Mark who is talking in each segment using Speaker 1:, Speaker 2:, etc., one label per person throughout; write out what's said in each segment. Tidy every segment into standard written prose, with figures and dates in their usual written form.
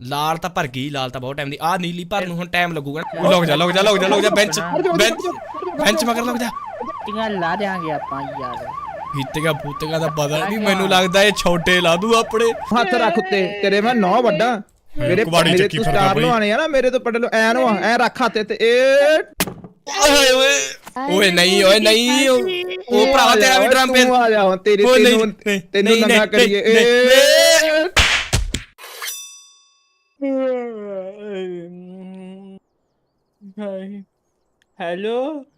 Speaker 1: ਲਾਲ ਤਾਂ ਭਰ ਗਈ, ਲਾਲ ਤਾਂ ਬਹੁਤ ਟਾਈਮ ਦੀ। ਆ ਨੀਲੀ ਭਰ ਨੂੰ ਹੁਣ ਟਾਈਮ ਲੱਗੂਗਾ। ਲੁਕ ਜਾ ਲੁਕ ਜਾ ਲੁਕ ਜਾ ਲੁਕ ਜਾ, ਬੈਂਚ ਬੈਂਚ ਬੈਂਚ ਮਗਰ ਲੁਕ ਜਾ।
Speaker 2: ਟੀਆਂ ਲਾ ਦਿਆਂਗੇ ਆਪਾਂ ਯਾਰ।
Speaker 1: ਫੀਤੇਗਾ ਫੂਤੇਗਾ ਦਾ ਪਤਾ ਨਹੀਂ, ਮੈਨੂੰ ਲੱਗਦਾ ਇਹ ਛੋਟੇ ਲਾ ਦੂ ਆਪਣੇ।
Speaker 3: ਹੱਥ ਰੱਖ ਉੱਤੇ, ਤੇਰੇ ਮੈਂ 9 ਵੱਡਾ। ਮੇਰੇ
Speaker 1: ਮੇਰੇ
Speaker 3: ਤੂੰ ਸਟਾਰ ਲਵਾਣੇ ਆ ਨਾ, ਮੇਰੇ ਤੋਂ ਪਟਲ ਐ ਨੂੰ ਐ ਰੱਖ ਹੱਥ ਤੇ। ਇਹ
Speaker 1: ਓਏ ਓਏ ਓਏ ਨਹੀਂ, ਓਏ ਨਹੀਂ, ਉਹ ਭਰਾ ਤੇਰਾ ਵੀ ਡਰਮ ਪੇ
Speaker 3: ਆ ਜਾ ਹੁਣ ਤੇਰੀ ਤੈਨੂੰ ਨੰਗਾ ਕਰੀਏ।
Speaker 2: ਹੈਲੋ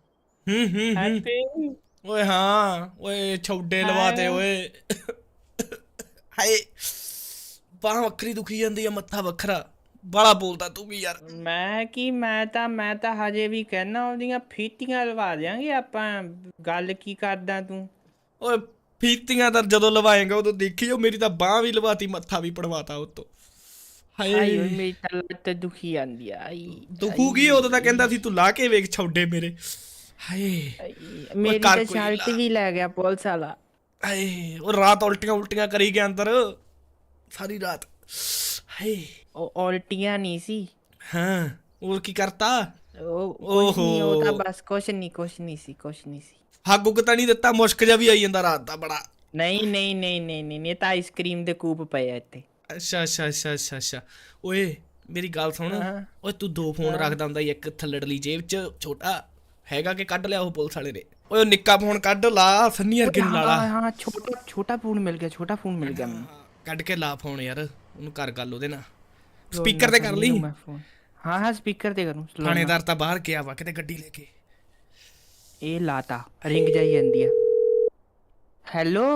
Speaker 1: ਓਏ ਹਾਂ ਓਏ ਛੋਡੇ ਲਵਾਤੇ ਓਏ। ਹਾਏ ਬਾਹ ਵੱਖਰੀ ਦੁਖੀ ਜਾਂਦੀ ਆ, ਮੱਥਾ ਵੱਖਰਾ। ਬਾਲਾ ਬੋਲਦਾ ਤੂੰ ਵੀ ਯਾਰ।
Speaker 2: ਮੈਂ ਤਾਂ ਹਜੇ ਵੀ ਕਹਿਣਾ ਉਹਦੀਆਂ ਫੀਤੀਆਂ ਲਵਾ ਦਿਆਂਗੇ ਆਪਾਂ। ਗੱਲ ਕੀ ਕਰਦਾ ਤੂੰ?
Speaker 1: ਓਏ ਫੀਤੀਆਂ ਤਾਂ ਜਦੋਂ ਲਵਾਏਗਾ ਉਦੋਂ ਦੇਖੀਓ, ਮੇਰੀ ਤਾਂ ਬਾਹ ਵੀ ਲਵਾਤੀ, ਮੱਥਾ ਵੀ ਪੜਵਾਤਾ ਉਤੋਂ। ਹਾਏ
Speaker 2: ਮੇਰੀ ਤਾਂ ਲੱਤ ਦੁਖੀ ਜਾਂਦੀ ਆ।
Speaker 1: ਦੁਖੂਗੀ, ਉਦੋਂ ਤਾਂ ਕਹਿੰਦਾ ਸੀ ਤੂੰ ਲਾ ਕੇ ਵੇਖ ਛੋਡੇ ਮੇਰੇ। ਹਾਏ
Speaker 2: ਮੇਰੀ ਤਾਂ ਸ਼ਰਟ ਵੀ ਲੈ ਗਿਆ ਪੁਲਿਸ ਵਾਲਾ।
Speaker 1: ਹਾਏ ਉਹ ਰਾਤ ਉਲਟੀਆਂ ਕਰੀ ਗਿਆ ਅੰਦਰ ਸਾਰੀ ਰਾਤ। ਹਾਏ
Speaker 2: ਉਹ ਉਲਟੀਆਂ ਨਹੀਂ ਸੀ।
Speaker 1: ਹਾਂ ਹੋਰ ਕੀ ਕਰਤਾ?
Speaker 2: ਉਹ ਤਾਂ ਬਸ ਕੁਛ ਨਹੀਂ ਸੀ।
Speaker 1: ਹੱਗ ਉੱਗ ਤਾਂ ਨਹੀਂ ਦਿੱਤਾ? ਮੁਸ਼ਕ ਜਿਹਾ ਵੀ ਆਈ ਜਾਂਦਾ ਰਾਤ ਦਾ ਬੜਾ।
Speaker 2: ਨਹੀਂ ਤਾਂ ਆਈਸਕ੍ਰੀਮ ਦੇ ਕੂਪ ਪਏ ਆ ਇੱਥੇ।
Speaker 1: ਅੱਛਾ ਓਏ ਮੇਰੀ ਗੱਲ ਸੁਣ। ਓਏ ਤੂੰ 2 ਫੋਨ ਰੱਖਦਾ ਹੁੰਦਾ, ਇੱਕ ਥੱਲੜਲੀ ਜੇਬ ਚ ਛੋਟਾ ਹੈਗਾ ਕਿ ਕੱਢ ਲਿਆ ਉਹ ਪੁਲਿਸ ਵਾਲੇ ਨੇ? ਓਏ ਉਹ ਨਿੱਕਾ ਫੋਨ ਕੱਢ ਲਾ, ਸੰਨੀ ਵਰਗੇ ਨੂੰ ਲਾ ਲਾ।
Speaker 2: ਹਾਂ ਛੋਟਾ ਫੋਨ ਮਿਲ ਗਿਆ ਮੈਨੂੰ।
Speaker 1: ਕੱਢ ਕੇ ਲਾ ਫੋਨ ਯਾਰ, ਉਹਨੂੰ ਕਰ ਗੱਲ ਉਹਦੇ ਨਾਲ। ਸਪੀਕਰ ਤੇ ਕਰ ਲਈ।
Speaker 2: ਹਾਂ ਸਪੀਕਰ ਤੇ ਕਰੂੰ।
Speaker 1: ਥਾਣੇਦਾਰ ਤਾਂ ਬਾਹਰ ਗਿਆ ਵਾ ਕਿਤੇ ਗੱਡੀ ਲੈ ਕੇ।
Speaker 2: ਇਹ ਲਾਤਾ ਰਿੰਗ ਜਾਈ ਜਾਂਦੀ ਆ। ਹੈਲੋ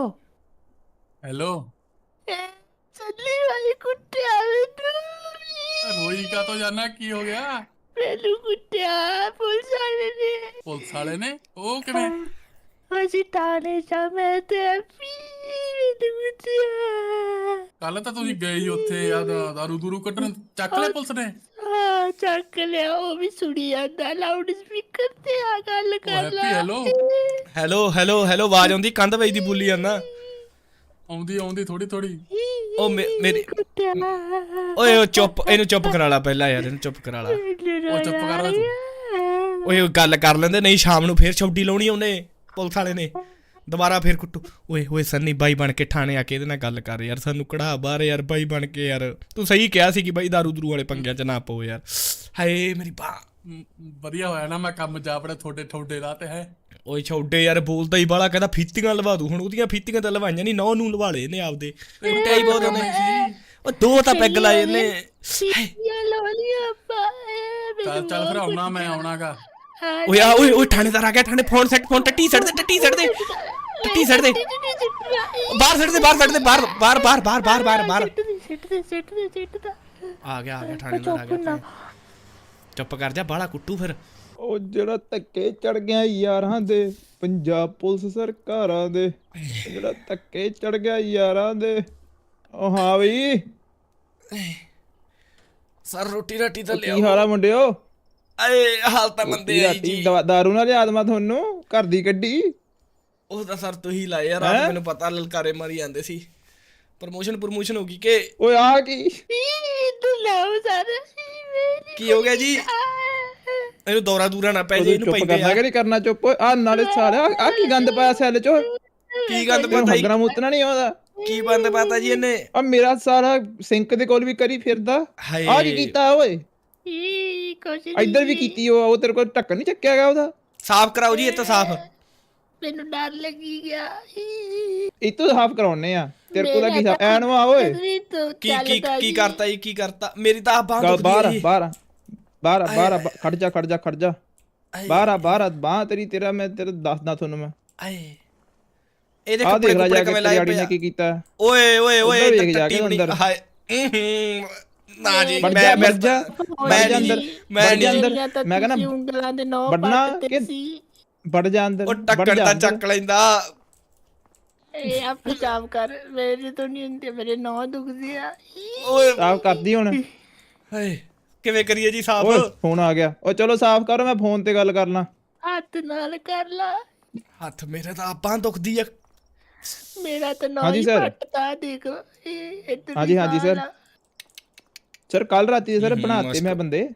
Speaker 2: ਚੱਲੀ ਵਾਲੀ ਕੁੱਟਿਆ ਮੈਨੂੰ।
Speaker 4: ਰੋਈ ਕਾ ਤੋਂ ਜਾਨਾ, ਕੀ ਹੋ ਗਿਆ?
Speaker 2: ਮੈਨੂੰ ਕੁੱਟਿਆ ਪੁਲਿਸ ਵਾਲੇ ਨੇ।
Speaker 4: ਉਹ ਕਿਵੇਂ?
Speaker 2: ਅਸੀਂ ਥਾਣੇ ਜਾ, ਮੈਂ ਤੇ ਮੈਨੂੰ ਕੁੱਟਿਆ।
Speaker 4: ਕੱਲ ਤਾਂ ਤੁਸੀਂ ਗਏ ਹੀ ਉੱਥੇ ਆ ਦਾਰੂ ਦੂਰੂ ਕੱਢਣ, ਚੱਕ ਲਿਆ ਪੁਲਿਸ ਨੇ?
Speaker 2: ਹਾਂ ਚੱਕ ਲਿਆ। ਉਹ ਵੀ ਸੁਣੀ ਜਾਂਦਾ ਲਾਊਡ ਸਪੀਕਰ ਤੇ। ਆ ਗੱਲ ਕਰ ਲਾ।
Speaker 4: ਹੈਲੋ
Speaker 1: ਹੈਲੋ ਆਵਾਜ਼ ਆਉਂਦੀ, ਕੰਧ ਵੱਜਦੀ ਬੋਲੀ ਜਾਂਦਾ।
Speaker 4: ਆਉਂਦੀ ਥੋੜੀ।
Speaker 1: ਉਹ ਮੇਰੀ ਓਏ ਉਹ ਚੁੱਪ, ਇਹਨੂੰ ਚੁੱਪ ਕਰਾ ਲਾ ਪਹਿਲਾਂ ਯਾਰ, ਇਹਨੂੰ ਚੁੱਪ ਕਰਾ ਲਾ।
Speaker 4: ਉਹ ਚੁੱਪ ਕਰ ਲੈ ਤੂੰ।
Speaker 1: ਓਏ ਗੱਲ ਕਰ ਲੈਂਦੇ, ਨਹੀਂ ਸ਼ਾਮ ਨੂੰ ਫੇਰ ਛੁੱਟੀ ਲਾਉਣੀ ਉਹਨੇ ਪੁਲਿਸ ਵਾਲੇ ਨੇ, ਦੁਬਾਰਾ ਫੇਰ ਕੁੱਟੂ। ਓਏ ਸੰਨੀ ਬਾਈ ਬਣ ਕੇ ਠਾਣੇ ਆ ਕੇ ਇਹਦੇ ਨਾਲ ਗੱਲ ਕਰ ਯਾਰ, ਸਾਨੂੰ ਕਢਾ ਬਾਹਰ ਯਾਰ ਬਾਈ ਬਣ ਕੇ ਯਾਰ। ਤੂੰ ਸਹੀ ਕਿਹਾ ਸੀ ਕਿ ਬਾਈ ਦਾਰੂ ਦਰੂ ਵਾਲੇ ਪੰਗਿਆਂ ਚ ਨਾ ਪਓ ਯਾਰ। ਹਾਏ ਮੇਰੀ ਬਾਹ।
Speaker 4: ਵਧੀਆ ਹੋਇਆ ਨਾ ਮੈਂ ਕੰਮ ਜਾ ਆਪਣੇ ਥੋੜੇ ਰਾਹ ਤੇ ਹੈ।
Speaker 1: ਓਏ ਛੋਡੇ ਯਾਰ ਬੋਲਦਾ ਹੀ ਬਾਲਾ, ਕਹਿੰਦਾ ਫੀਤੀਆਂ ਲਵਾ ਦੂ। ਹੁਣ ਉਹਦੀਆਂ ਫੀਤੀਆਂ ਤਾਂ ਲਵਾਈਆਂ ਨਹੀਂ, 9 ਨੂੰ ਲਵਾ ਲਏ ਨੇ ਆਪਦੇ। ਕੁੱਟਿਆ ਹੀ ਬਹੁਤ ਉਹਨੇ। ਉਹ 2 ਤਾਂ ਪੈਗ ਲਾਏ ਇਹਨੇ।
Speaker 4: ਚੱਲ ਫਿਰ ਆਉਣਾਗਾ।
Speaker 1: ਓਏ ਥਾਣੇਦਾਰ ਆ ਗਿਆ। ਥਾਣੇ ਫੋਨ ਟੱਟੀ ਸੜ ਦੇ ਬਾਹਰ ਸੜ ਦੇ ਬਾਹਰ। ਆ ਗਿਆ ਥਾਣੇਦਾਰ ਆ ਗਿਆ। ਚੁੱਪ ਕਰ ਜਾ, ਬਾਲਾ ਕੁੱਟੂ ਫਿਰ।
Speaker 3: ਉਹ ਜਿਹੜਾ ਧੱਕੇ ਚੜ ਗਿਆ ਯਾਰਾਂ ਦੇ, ਪੰਜਾਬ ਪੁਲਿਸ ਸਰਕਾਰਾਂ ਦੇ, ਜਿਹੜਾ ਧੱਕੇ ਚੜ ਗਿਆ ਯਾਰਾਂ ਦੇ। ਉਹ ਹਾਂ ਬਈ
Speaker 1: ਸਰ ਰੋਟੀ ਰਾਟੀ ਤਾਂ ਲਿਆਓ।
Speaker 3: ਕੀ ਹਾਲ ਆ ਮੁੰਡਿਓ?
Speaker 1: ਆਏ ਹਾਲ ਤਾਂ ਮੰਦੇ ਆ ਜੀ।
Speaker 3: ਦਾਰੂ ਨਾਲ ਯਾਦ ਮੈਂ ਤੁਹਾਨੂੰ ਘਰ ਦੀ ਕੱਢੀ।
Speaker 1: ਉਹ ਤਾਂ ਸਰ ਤੁਸੀਂ ਲਾਏ ਯਾਰ, ਰਾਤ ਮੈਨੂੰ ਪਤਾ ਲਲਕਾਰੇ ਮਾਰੀ ਜਾਂਦੇ ਸੀ। ਪ੍ਰਮੋਸ਼ਨ ਹੋ ਗਈ ਕਿ?
Speaker 3: ਓਏ ਆ ਕੀ
Speaker 1: ਕੀ ਹੋ ਗਿਆ ਜੀ? ਇਹਨੂੰ ਦੌਰਾ ਨਾ ਪੈ ਜੇ, ਇਹਨੂੰ ਪੈਂਦੇ
Speaker 3: ਕਰਨਾ ਕਿ ਨਹੀਂ ਕਰਨਾ ਚੁੱਪ। ਆ ਨਾਲੇ ਸਾਲਿਆ ਆ ਕੀ ਗੰਦ ਪਾਇਆ ਸੈੱਲ ਚ?
Speaker 1: ਕੀ ਗੰਦ ਪਾਤਾ ਜੀ?
Speaker 3: ਮੁੱਤਣਾ ਨਹੀਂ ਆਉਂਦਾ।
Speaker 1: ਕੀ ਬੰਦ ਪਾਤਾ ਜੀ ਇਹਨੇ?
Speaker 3: ਆ ਮੇਰਾ ਸਾਰਾ ਸਿੰਕ ਦੇ ਕੋਲ ਵੀ ਕਰੀ ਫਿਰਦਾ। ਆ ਕੀ ਕੀਤਾ ਓਏ? ਇੱਧਰ ਵੀ ਕੀਤੀ। ਉਹ ਤੇਰੇ ਕੋਲ ਢੱਕਣ ਨਹੀਂ ਚੱਕਿਆ ਗਿਆ ਉਹਦਾ?
Speaker 1: ਸਾਫ਼ ਕਰਾਓ ਜੀ, ਇਹ ਤਾਂ ਸਾਫ਼।
Speaker 2: ਮੈਨੂੰ ਡਰ ਲੱਗੀ ਗਿਆ।
Speaker 3: ਇਹ ਤੋਂ ਸਾਫ਼ ਕਰਾਉਣੇ ਆ। ਤੇਰੇ ਕੋਲ ਕੀ ਸਾਫ਼ ਐਨ ਵਾ ਓਏ?
Speaker 1: ਕੀ ਕਰਤਾ ਜੀ? ਕੀ ਕਰਤਾ? ਮੇਰੀ ਤਾਂ ਬਾਹ ਦੁਖਦੀ ਹੈ ਜੀ।
Speaker 3: ਬਾਹਰ ਖੜ ਜਾ ਬਾਹਰ ਬਾਹ ਤੇਰਾ ਮੈਂ ਤੇਰਾ ਦੱਸਦਾ ਤੁਹਾਨੂੰ ਮੈਂ।
Speaker 1: ਆਏ ਇਹਦੇ ਕੱਪੜੇ ਕਿਵੇਂ ਲਾਏ ਪਏ ਆ?
Speaker 3: ਕੀ ਕੀਤਾ?
Speaker 1: ਓਏ ਟੱਟੀ ਬਣੀ। ਹਾਏ ਨਾ ਜੀ ਮੈਂ ਕਹਿੰਦਾ
Speaker 3: ਵੱਡਣਾ ਕਿ ਵੱਡ ਜਾ ਅੰਦਰ।
Speaker 1: ਉਹ ਟੱਕਣ ਤਾਂ ਚੱਕ ਲੈਂਦਾ।
Speaker 2: ਇਹ ਆਪ ਸਾਫ ਕਰ, ਮੇਰੇ ਤੋਂ ਨਹੀਂ ਹੁੰਦੇ, ਮੇਰੇ ਨੌ ਦੁਖਦੇ ਆ।
Speaker 1: ਓਏ
Speaker 3: ਸਾਫ ਕਰਦੀ ਹੁਣ।
Speaker 1: ਹਾਏ ਕਿਵੇਂ ਕਰੀਏ ਜੀ ਸਾਫ?
Speaker 3: ਓਏ ਫੋਨ ਆ ਗਿਆ। ਓ ਚਲੋ ਸਾਫ ਕਰੋ, ਮੈਂ ਫੋਨ ਤੇ ਗੱਲ ਕਰਨਾ।
Speaker 2: ਹੱਥ ਨਾਲ ਕਰ ਲਾ।
Speaker 1: ਹੱਥ ਮੇਰੇ ਤਾਂ ਆਪਾਂ ਦੁਖਦੀ ਆ।
Speaker 2: ਮੇਰਾ ਤਾਂ ਨੌ ਹੀ ਪੱਟਦਾ ਦੇਖ।
Speaker 3: ਹਾਂਜੀ ਸਰ। ਸਰ ਕੱਲ ਰਾਤੀ ਸਰ ਬਣਾਤੇ
Speaker 1: ਮਸਤ।
Speaker 3: ਮੈਂ ਬੰਦੇ।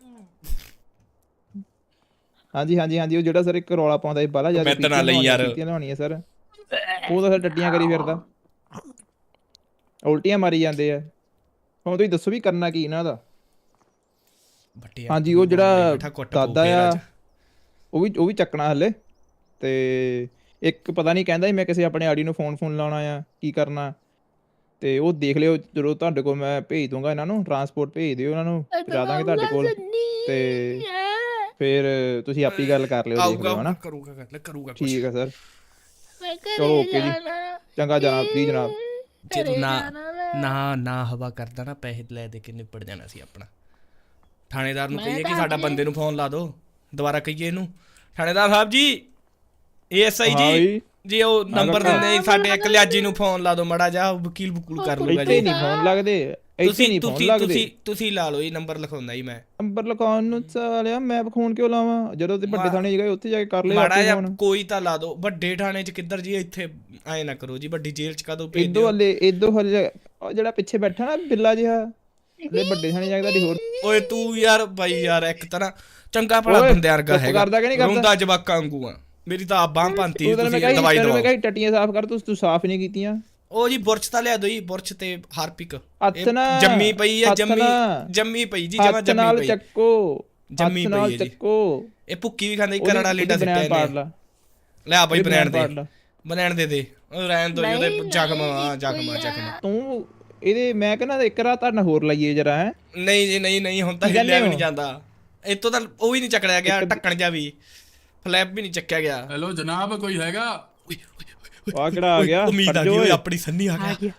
Speaker 3: ਹਾਂਜੀ ਹਾਂਜੀ ਹਾਂਜੀ, ਉਹ ਜਿਹੜਾ ਸਰ ਇੱਕ ਰੌਲਾ ਪਾਉਂਦਾ ਸੀ ਬਾਲਾ ਜਿਆਦਾ
Speaker 1: ਮੈਂ ਤਾਂ ਨਾਲ ਲਈ ਯਾਰ।
Speaker 3: ਪੀਤੀਆਂ ਲਾਉਣੀਆਂ ਸਰ, ਉਹ ਤਾਂ ਸਰ ਟੱਟੀਆਂ ਕਰੀ ਫਿਰਦਾ, ਉਲਟੀਆਂ ਮਾਰੀ ਜਾਂਦੇ ਆ। ਹੁਣ ਤੁਸੀਂ ਦੱਸੋ ਵੀ ਕਰਨਾ ਕੀ ਇਹਨਾਂ ਦਾ।
Speaker 1: ਬੱਟੇ
Speaker 3: ਹਾਂਜੀ, ਉਹ ਜਿਹੜਾ ਦਾਦਾ ਆ
Speaker 1: ਅੱਜ
Speaker 3: ਉਹ ਵੀ ਚੱਕਣਾ ਹਲੇ। ਤੇ ਇੱਕ ਪਤਾ ਨਹੀਂ ਕਹਿੰਦਾ ਸੀ ਮੈਂ ਕਿਸੇ ਆਪਣੇ ਆੜੀ ਨੂੰ ਫੋਨ ਲਾਉਣਾ ਆ, ਕੀ ਕਰਨਾ। ਤੇ ਉਹ ਦੇਖ ਲਿਓ, ਜਦੋਂ ਤੁਹਾਡੇ ਕੋਲ ਮੈਂ ਭੇਜ ਦੂੰਗਾ ਇਹਨਾਂ ਨੂੰ, ਟਰਾਂਸਪੋਰਟ ਭੇਜ ਦਿਓ ਉਹਨਾਂ ਨੂੰ, ਪਹੁੰਚਾ ਦਾਂਗੇ ਤੁਹਾਡੇ ਕੋਲ। ਤੇ ਫਿਰ ਤੁਸੀਂ ਆਪੀ ਗੱਲ ਕਰ ਲਿਓ, ਦੇਖ ਲਿਓ ਹਨਾ।
Speaker 1: ਕਰੂਗਾ ਗੱਲ ਕਰੂਗਾ ਕੁਛ।
Speaker 3: ਠੀਕ ਆ ਸਰ, ਚਲੋ ਓਕੇ ਜੀ, ਚੰਗਾ ਜਨਾਬ ਜੀ ਜਨਾਬ।
Speaker 1: ਜੇ ਤੂੰ ਨਾ ਹਵਾ ਕਰਦਾ ਨਾ, ਪੈਸੇ ਲੈ ਦੇ ਕੇ ਨਿਪਟ ਜਾਣਾ ਸੀ ਆਪਣਾ। ਥਾਣੇਦਾਰ ਨੂੰ ਕਹੀਏ ਕਿ ਸਾਡਾ ਬੰਦੇ ਨੂੰ ਫੋਨ ਲਾ ਦਿਓ, ਦੁਬਾਰਾ ਕਹੀਏ ਇਹਨੂੰ, ਥਾਣੇਦਾਰ ਸਾਹਿਬ ਜੀ, ASI ਜੀ ਜੀ, ਉਹ ਨੰਬਰ ਦਿੰਦੇ ਸਾਡੇ ਇੱਕ ਲਿਆਜੀ ਨੂੰ ਫੋਨ ਲਾ ਦਿਓ ਮੜਾ ਜਾ, ਵਕੀਲ ਬਕੂਲ ਕਰ ਲੂਗਾ
Speaker 3: ਇੱਥੇ
Speaker 1: ਜੀ।
Speaker 3: ਨਹੀਂ ਫੋਨ ਲੱਗਦੇ, ਇੱਥੇ ਨਹੀਂ ਫੋਨ ਲੱਗਦੇ।
Speaker 1: ਤੁਸੀਂ ਲਾ ਲਓ, ਇਹ ਨੰਬਰ ਲਿਖਾਉਂਦਾ ਜੀ ਮੈਂ।
Speaker 3: ਨੰਬਰ ਲਿਖਾਉਣ ਨੂੰ ਸਾਲਿਆ ਮੈਂ ਫੋਨ ਕਿਉਂ ਲਾਵਾਂ, ਜਦੋਂ ਤੇ ਵੱਡੇ ਥਾਣੇ ਗਏ ਉੱਥੇ ਜਾ ਕੇ ਕਰ ਲਿਓ
Speaker 1: ਮਾੜਾ ਜਿਹਾ
Speaker 3: ਫੋਨ।
Speaker 1: ਕੋਈ ਤਾਂ ਲਾ ਦਿਓ, ਵੱਡੇ ਥਾਣੇ 'ਚ ਕਿੱਧਰ ਜੀ, ਇੱਥੇ ਐ ਨਾ ਕਰੋ ਜੀ, ਵੱਡੀ ਜੇਲ੍ਹ 'ਚ ਕਦੋਂ ਭੇਜ
Speaker 3: ਇਦੋਂ ਹਲੇ ਉਹ ਜਿਹੜਾ ਪਿੱਛੇ ਬੈਠਾ ਨਾ ਬਿੱਲਾ ਜਿਹਾ, ਹਲੇ ਵੱਡੇ ਥਾਣੇ ਜਾ ਕੇ ਤੁਹਾਡੀ ਹੋਰ।
Speaker 1: ਓਏ ਤੂੰ ਯਾਰ ਬਾਈ ਯਾਰ, ਇੱਕ ਤਾਂ ਨਾ ਚੰਗਾ ਭਲਾ ਬੰਦਿਆਂ ਵਰਗਾ ਹੈਗਾ,
Speaker 3: ਕਰਦਾ ਕਿ ਨਹੀਂ ਕਰਦਾ?
Speaker 1: ਰੋਂਦਾ ਜਵਾਕਾਂ ਵਾਂਗੂ ਆ। ਮੇਰੀ ਤਾਂ ਆਪ ਬਾਂਹ ਪੰਤੀ,
Speaker 3: ਮੈਂ
Speaker 1: ਤੁਸੀਂ ਦਵਾਈ ਦਵਾਓ।
Speaker 3: ਕਹੀ ਟੱਟੀਆਂ ਸਾਫ਼ ਕਰ, ਤੂੰ ਸਾਫ਼ ਨਹੀਂ ਕੀਤੀਆਂ।
Speaker 1: ਉਹ ਜੀ ਬੁਰਸ਼ ਤਾਂ ਲਿਆ ਦੋ ਜੀ, ਬੁਰਸ਼ ਤੇ ਹਾਰਪਿਕ।
Speaker 3: ਹੱਥ ਨਾਲ
Speaker 1: ਜੰਮੀ ਪਈ ਹੈ, ਜੰਮੀ ਪਈ ਜੀ, ਜਮਾ
Speaker 3: ਹੱਥ ਨਾਲ
Speaker 1: ਜੰਮੀ ਪਈ,
Speaker 3: ਚੱਕੋ,
Speaker 1: ਜੰਮੀ
Speaker 3: ਹੱਥ
Speaker 1: ਪਈ
Speaker 3: ਨਾਲ
Speaker 1: ਹੈ ਜੀ।
Speaker 3: ਚੱਕੋ।
Speaker 1: ਇਹ ਭੁੱਕੀ ਵੀ ਖਾਂਦੇ, ਕਰੜਾ ਲੀਡਾ
Speaker 3: ਬਨੈਣ
Speaker 1: ਸਿੱਟਿਆ
Speaker 3: ਪਾੜ
Speaker 1: ਇਹਨੇ।
Speaker 3: ਲਾ,
Speaker 1: ਲੈ ਆ ਬਾਈ ਬਨੈਣ
Speaker 3: ਪਾੜ
Speaker 1: ਦੇ,
Speaker 3: ਲਾ।
Speaker 1: ਬਨੈਣ ਦੇ ਉਹ ਰਹਿਣ ਦੋ, ਉਹਦੇ ਜ਼ਖਮ।
Speaker 3: ਤੂੰ ਇਹਦੇ ਮੈਂ ਕਹਿੰਦਾ ਇੱਕ ਰਾਤ ਤੁਹਾਡਾ ਹੋਰ ਲਾਈਏ ਜਰਾ। ਹੈ
Speaker 1: ਨਹੀਂ ਜੀ, ਨਹੀਂ ਹੁਣ ਤਾਂ ਹਿੱਲਿਆ ਵੀ ਨਹੀਂ ਜਾਂਦਾ ਇੱਥੋਂ ਤਾਂ, ਉਹ ਵੀ ਨਹੀਂ ਚੱਕੜਿਆ ਗਿਆ, ਢੱਕਣ ਜਾ ਵੀ, ਫਲੈਪ ਵੀ ਨਹੀਂ ਚੱਕਿਆ ਗਿਆ।
Speaker 4: ਹੈਲੋ ਜਨਾਬ, ਕੋਈ ਹੈਗਾ?
Speaker 3: ਆ ਕਿਹੜਾ ਆ ਗਿਆ?
Speaker 1: ਉਮੀਦ ਆ ਗਈ ਓਏ, ਆਪਣੀ ਸੰਨੀ ਆ ਗਿਆ,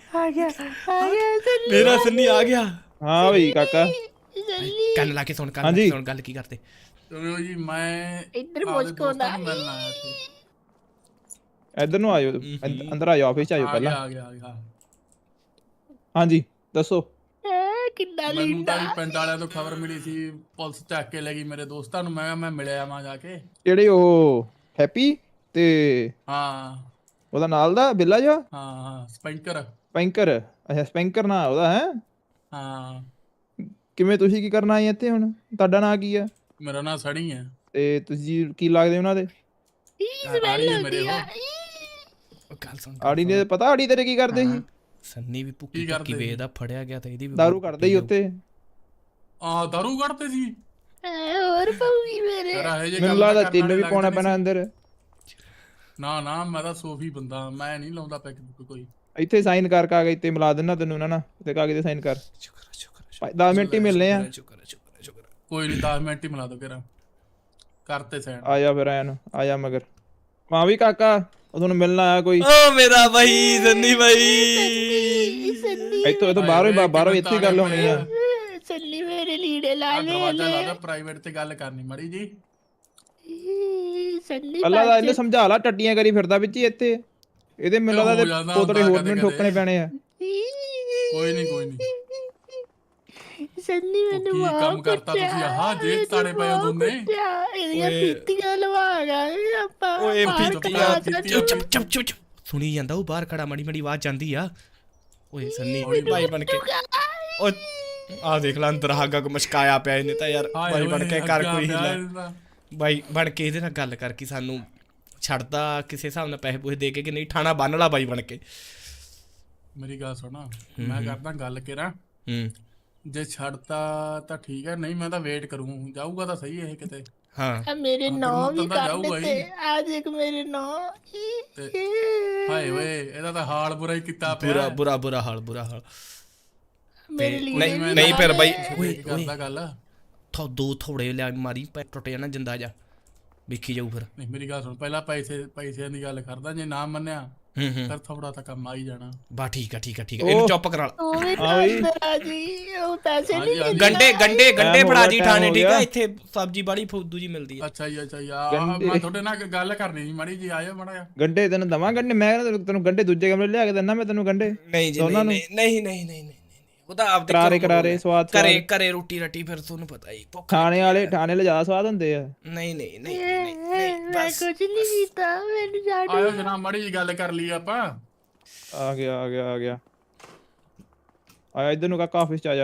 Speaker 1: ਮੇਰਾ ਸੰਨੀ ਆ ਗਿਆ।
Speaker 3: ਹਾਂ ਬਈ ਕਾਕਾ,
Speaker 1: ਕੰਨ ਲਾ ਕੇ ਸੁਣ, ਕੰਨ ਲਾ ਕੇ ਸੁਣ, ਗੱਲ ਕੀ ਕਰਦੇ।
Speaker 4: ਚਲੋ ਜੀ, ਮੈਂ
Speaker 5: ਇੱਧਰ ਮੁਸਕਰਾਉਂਦਾ
Speaker 4: ਮਿਲਣ ਆਇਆ ਸੀ।
Speaker 3: ਇੱਧਰ ਨੂੰ ਆਇਓ, ਅੰਦਰ ਆਇਓ, ਆਫਿਸ ਚ ਆਇਓ ਪਹਿਲਾਂ।
Speaker 4: ਆ ਗਿਆ।
Speaker 3: ਹਾਂਜੀ ਦੱਸੋ।
Speaker 5: ਕਿੰਨਾ
Speaker 4: ਮੈਨੂੰ ਤਾਂ ਪਿੰਡ ਵਾਲਿਆਂ ਤੋਂ ਖਬਰ ਮਿਲੀ ਸੀ, ਪੁਲਿਸ ਚੱਕ ਕੇ ਲੈ ਗਈ ਮੇਰੇ ਦੋਸਤਾਂ ਨੂੰ। ਮੈਂ ਮਿਲਿਆ ਆਵਾਂ ਜਾ ਕੇ।
Speaker 3: ਜਿਹੜੇ ਉਹ ਹੈਪੀ ਤੇ
Speaker 4: ਹਾਂ
Speaker 3: ਉਹਦਾ ਨਾਲ ਦਾ ਬਿੱਲਾ ਜਿਹਾ,
Speaker 4: ਹਾਂ ਸਪੈਂਕਰ।
Speaker 3: ਸਪੈਂਕਰ, ਅੱਛਾ ਸਪੈਂਕਰ ਨਾਂ ਉਹਦਾ ਹੈ।
Speaker 4: ਹਾਂ,
Speaker 3: ਕਿਵੇਂ ਤੁਸੀਂ ਕੀ ਕਰਨ ਆਏ ਇੱਥੇ ਹੁਣ? ਤੁਹਾਡਾ ਨਾਂ ਕੀ ਆ?
Speaker 4: ਮੇਰਾ ਨਾਂ ਸਣੀ ਹੈ।
Speaker 3: ਤੇ ਤੁਸੀਂ ਕੀ ਲੱਗਦੇ ਉਹਨਾਂ ਦੇ?
Speaker 4: ਆੜੀ ਹੈ ਮੇਰੇ ਉਹ।
Speaker 1: ਗੱਲ ਸੁਣ,
Speaker 3: ਆੜੀ ਨੇ ਪਤਾ ਆੜੀ ਤੇਰੇ ਕੀ ਕਰਦੇ ਸੀ?
Speaker 1: ਸੰਨੀ ਵੀ ਭੁੱਕੀ ਭੁੱਕੀ ਵੇਚਦਾ, ਫੜਿਆ ਗਿਆ ਤਾਂ ਇਹਦੀ ਵੀ
Speaker 3: ਦਾਰੂ ਕੱਢਦੇ ਸੀ ਉੱਤੇ।
Speaker 4: ਦਾਰੂ ਕੱਢਦੇ ਸੀ।
Speaker 5: ਹੋਰ ਪਊਗੀ ਮੇਰੇ
Speaker 3: ਮੈਨੂੰ ਲੱਗਦਾ ਤੈਨੂੰ ਵੀ ਪਾਉਣਾ ਪੈਣਾ ਅੰਦਰ।
Speaker 4: ਨਾ ਮੈਂ ਤਾਂ ਸੋਫੀ ਬੰਦਾ, ਮੈਂ ਨਹੀਂ ਲਾਉਂਦਾ ਪੈਕ ਕੋਈ।
Speaker 3: ਇੱਥੇ ਸਾਈਨ ਕਰ, ਕਾਗਜ਼ ਤੇ ਮਿਲਾ ਦੇਣਾ ਤੈਨੂੰ ਨਾ, ਤੇ ਕਾਗਜ਼ ਤੇ ਸਾਈਨ ਕਰ। 10 ਮਿੰਟ ਹੀ ਮਿਲਨੇ ਆ।
Speaker 4: ਕੋਈ ਨਹੀਂ, 10 ਮਿੰਟ ਹੀ ਮਿਲਾ ਦੋ ਕਿਰਾ ਕਰਤੇ ਸੈਂਡ।
Speaker 3: ਆ ਜਾ ਫਿਰ ਐਨ, ਆ ਜਾ ਮਗਰ। ਮਾਂ ਵੀ ਕਾਕਾ, ਉਹ ਤੁਹਾਨੂੰ ਮਿਲਣ ਆਇਆ ਕੋਈ।
Speaker 1: ਓ ਮੇਰਾ ਬਾਈ ਸੰਨੀ ਬਾਈ,
Speaker 3: ਇੱਥੋਂ ਬਾਹਰੋਂ ਇੱਥੇ ਗੱਲ ਹੋਣੀ ਆ।
Speaker 5: ਸੰਨੀ ਮੇਰੇ ਲੀੜੇ ਲਾ ਲੈ
Speaker 4: ਦਰਵਾਜ਼ਾ ਲਾਦਾ, ਪ੍ਰਾਈਵੇਟ ਤੇ ਗੱਲ ਕਰਨੀ ਮੜੀ ਜੀ।
Speaker 5: ਸੰਨੀ
Speaker 3: ਅੱਲਾ ਦਾ ਇਹਨੂੰ ਸਮਝਾ ਲਾ, ਟੱਟੀਆਂ ਕਰੀ ਫਿਰਦਾ ਵਿੱਚ ਹੀ ਇੱਥੇ। ਇਹਦੇ ਮੈਨੂੰ ਲੱਗਦਾ ਪੋਤੜੇ ਹੋਰ ਮੈਨੂੰ ਠੋਕਣੇ ਪੈਣੇ ਆ।
Speaker 4: ਕੋਈ ਨਹੀਂ
Speaker 5: ਸੰਨੀ ਮੈਨੂੰ
Speaker 4: ਕੀ ਕੰਮ ਕਰਤਾ ਤੁਸੀਂ? ਆਹ ਜੇਬ ਤਾੜੇ ਪਏ ਹੋ ਦੋਨੇ।
Speaker 5: ਇਹਦੀਆਂ ਪੀਤੀਆਂ ਲਵਾ ਗਏ ਆਪਾਂ।
Speaker 1: ਓਏ
Speaker 4: ਪੀਤੀਆਂ
Speaker 1: ਚੁੱਪ ਸੁਣੀ ਜਾਂਦਾ, ਉਹ ਬਾਹਰ ਖੜਾ ਮੜੀ ਆਵਾਜ਼ ਜਾਂਦੀ ਆ। ਓਏ ਸੰਨੀ ਬਾਈ ਬਣ ਕੇ, ਓ ਆ ਦੇਖ ਲੈ ਅੰਦਰ ਹਾਗਾ ਕੋ ਮਸ਼ਕਾਇਆ ਪਿਆ ਇਹਨੇ ਤਾਂ ਯਾਰ। ਬਾਈ ਬਣ ਕੇ ਕਰ ਕੋਈ ਹੀਲਾ, ਬਾਈ ਬਣ ਕੇ ਇਹਦੇ ਨਾਲ ਗੱਲ ਕਰ ਕਿ ਸਾਨੂੰ ਛੱਡਦਾ ਕਿਸੇ ਹਿਸਾਬ ਨਾਲ, ਪੈਸੇ ਪੂਸੇ ਦੇ ਕੇ ਕਿ ਨਹੀਂ, ਠਾਣਾ ਬੰਨ ਲਾ ਬਾਈ ਬਣ ਕੇ।
Speaker 4: ਮੇਰੀ ਗੱਲ ਸੁਣਾ, ਮੈਂ ਕਰਦਾ ਗੱਲ ਕਿਰਾ। ਜੇ ਛੱਡਤਾ ਤਾਂ ਠੀਕ ਹੈ, ਨਹੀਂ ਮੈਂ ਤਾਂ ਵੇਟ ਕਰੂੰ। ਜਾਊਗਾ ਤਾਂ ਸਹੀ ਇਹ ਕਿਤੇ।
Speaker 1: ਹਾਂ
Speaker 5: ਮੇਰੇ ਨਾਂ ਵੀ ਕਰ ਦਿੱਤੇ ਅੱਜ, ਇੱਕ ਮੇਰੇ ਨਾਂ।
Speaker 4: ਹਾਏ ਓਏ, ਇਹਦਾ ਤਾਂ ਹਾਲ ਬੁਰਾ ਹੀ ਕੀਤਾ ਪਿਆ।
Speaker 1: ਬੁਰਾ ਹਾਲ
Speaker 5: ਮੇਰੇ ਲਈ
Speaker 1: ਨਹੀਂ ਫਿਰ ਬਾਈ
Speaker 4: ਓਏ ਕਰਦਾ ਗੱਲ।
Speaker 1: ਦੋ ਥੋੜੇ ਲਿਆ ਮਾਰੀ, ਪੈ ਟੁੱਟ ਜਾਣਾ ਜਿੰਦਾ ਜਾ, ਵੇਖੀ ਜਾਊ ਫਿਰ।
Speaker 4: ਨਹੀਂ ਮੇਰੀ ਗੱਲ ਸੁਣ, ਪਹਿਲਾਂ ਪੈਸਿਆਂ ਦੀ ਗੱਲ ਕਰਦਾ। ਜੇ ਨਾ ਮੰਨਿਆ ਫਿਰ ਥੋੜਾ ਤਾਂ ਕੰਮ ਆ ਹੀ ਜਾਣਾ।
Speaker 1: ਬਾ ਠੀਕ ਆ ਇਹਨੂੰ ਚੁੱਪ ਕਰਾ ਲਾ।
Speaker 5: ਉਹ ਪੈਸੇ ਨਹੀਂ
Speaker 1: ਗੰਡੇ ਫੜਾ ਜੀ ਠਾਣੇ, ਠੀਕ ਆ। ਇੱਥੇ ਸਬਜ਼ੀ ਬੜੀ ਫੁੱਦੂ ਜੀ ਮਿਲਦੀ ਆ।
Speaker 4: ਅੱਛਾ ਜੀ ਮੈਂ ਤੁਹਾਡੇ ਨਾਲ ਗੱਲ ਕਰਨੀ ਸੀ ਮਾੜੀ ਜੀ, ਆਇਓ ਮਾੜਾ ਜਿਹਾ।
Speaker 3: ਗੰਡੇ ਤੈਨੂੰ ਦਵਾਂ ਗੰਡੇ? ਮੈਂ ਤੈਨੂੰ ਗੰਡੇ ਦੂਜੇ ਕਮਰੇ ਲਿਆ ਕੇ ਦਿੰਦਾ ਮੈਂ ਤੈਨੂੰ ਗੰਡੇ।
Speaker 1: ਨਹੀਂ ਜੀ ਨਹੀਂ, ਉਹ ਤਾਂ ਆਪ
Speaker 3: ਕਰਾਰੇ ਸਵਾਦ
Speaker 1: ਘਰੇ ਰੋਟੀ ਰੱਟੀ, ਫਿਰ ਤੁਹਾਨੂੰ ਪਤਾ ਹੀ
Speaker 3: ਖਾਣੇ ਵਾਲੇ ਜ਼ਿਆਦਾ ਸਵਾਦ ਹੁੰਦੇ ਆ।
Speaker 1: ਨਹੀਂ
Speaker 5: ਮੈਂ ਕੁਝ ਨਹੀਂ ਕੀਤਾ, ਮੈਨੂੰ ਛੱਡ।
Speaker 4: ਆਇਓ ਜਨਾਬ, ਮਾੜੀ ਜੀ ਗੱਲ ਕਰ ਲਈ ਆਪਾਂ।
Speaker 3: ਆ ਗਿਆ ਆਇਆ ਇੱਧਰ ਨੂੰ ਕਾਕਾ, ਆਫਿਸ ਚ ਆ ਜਾ।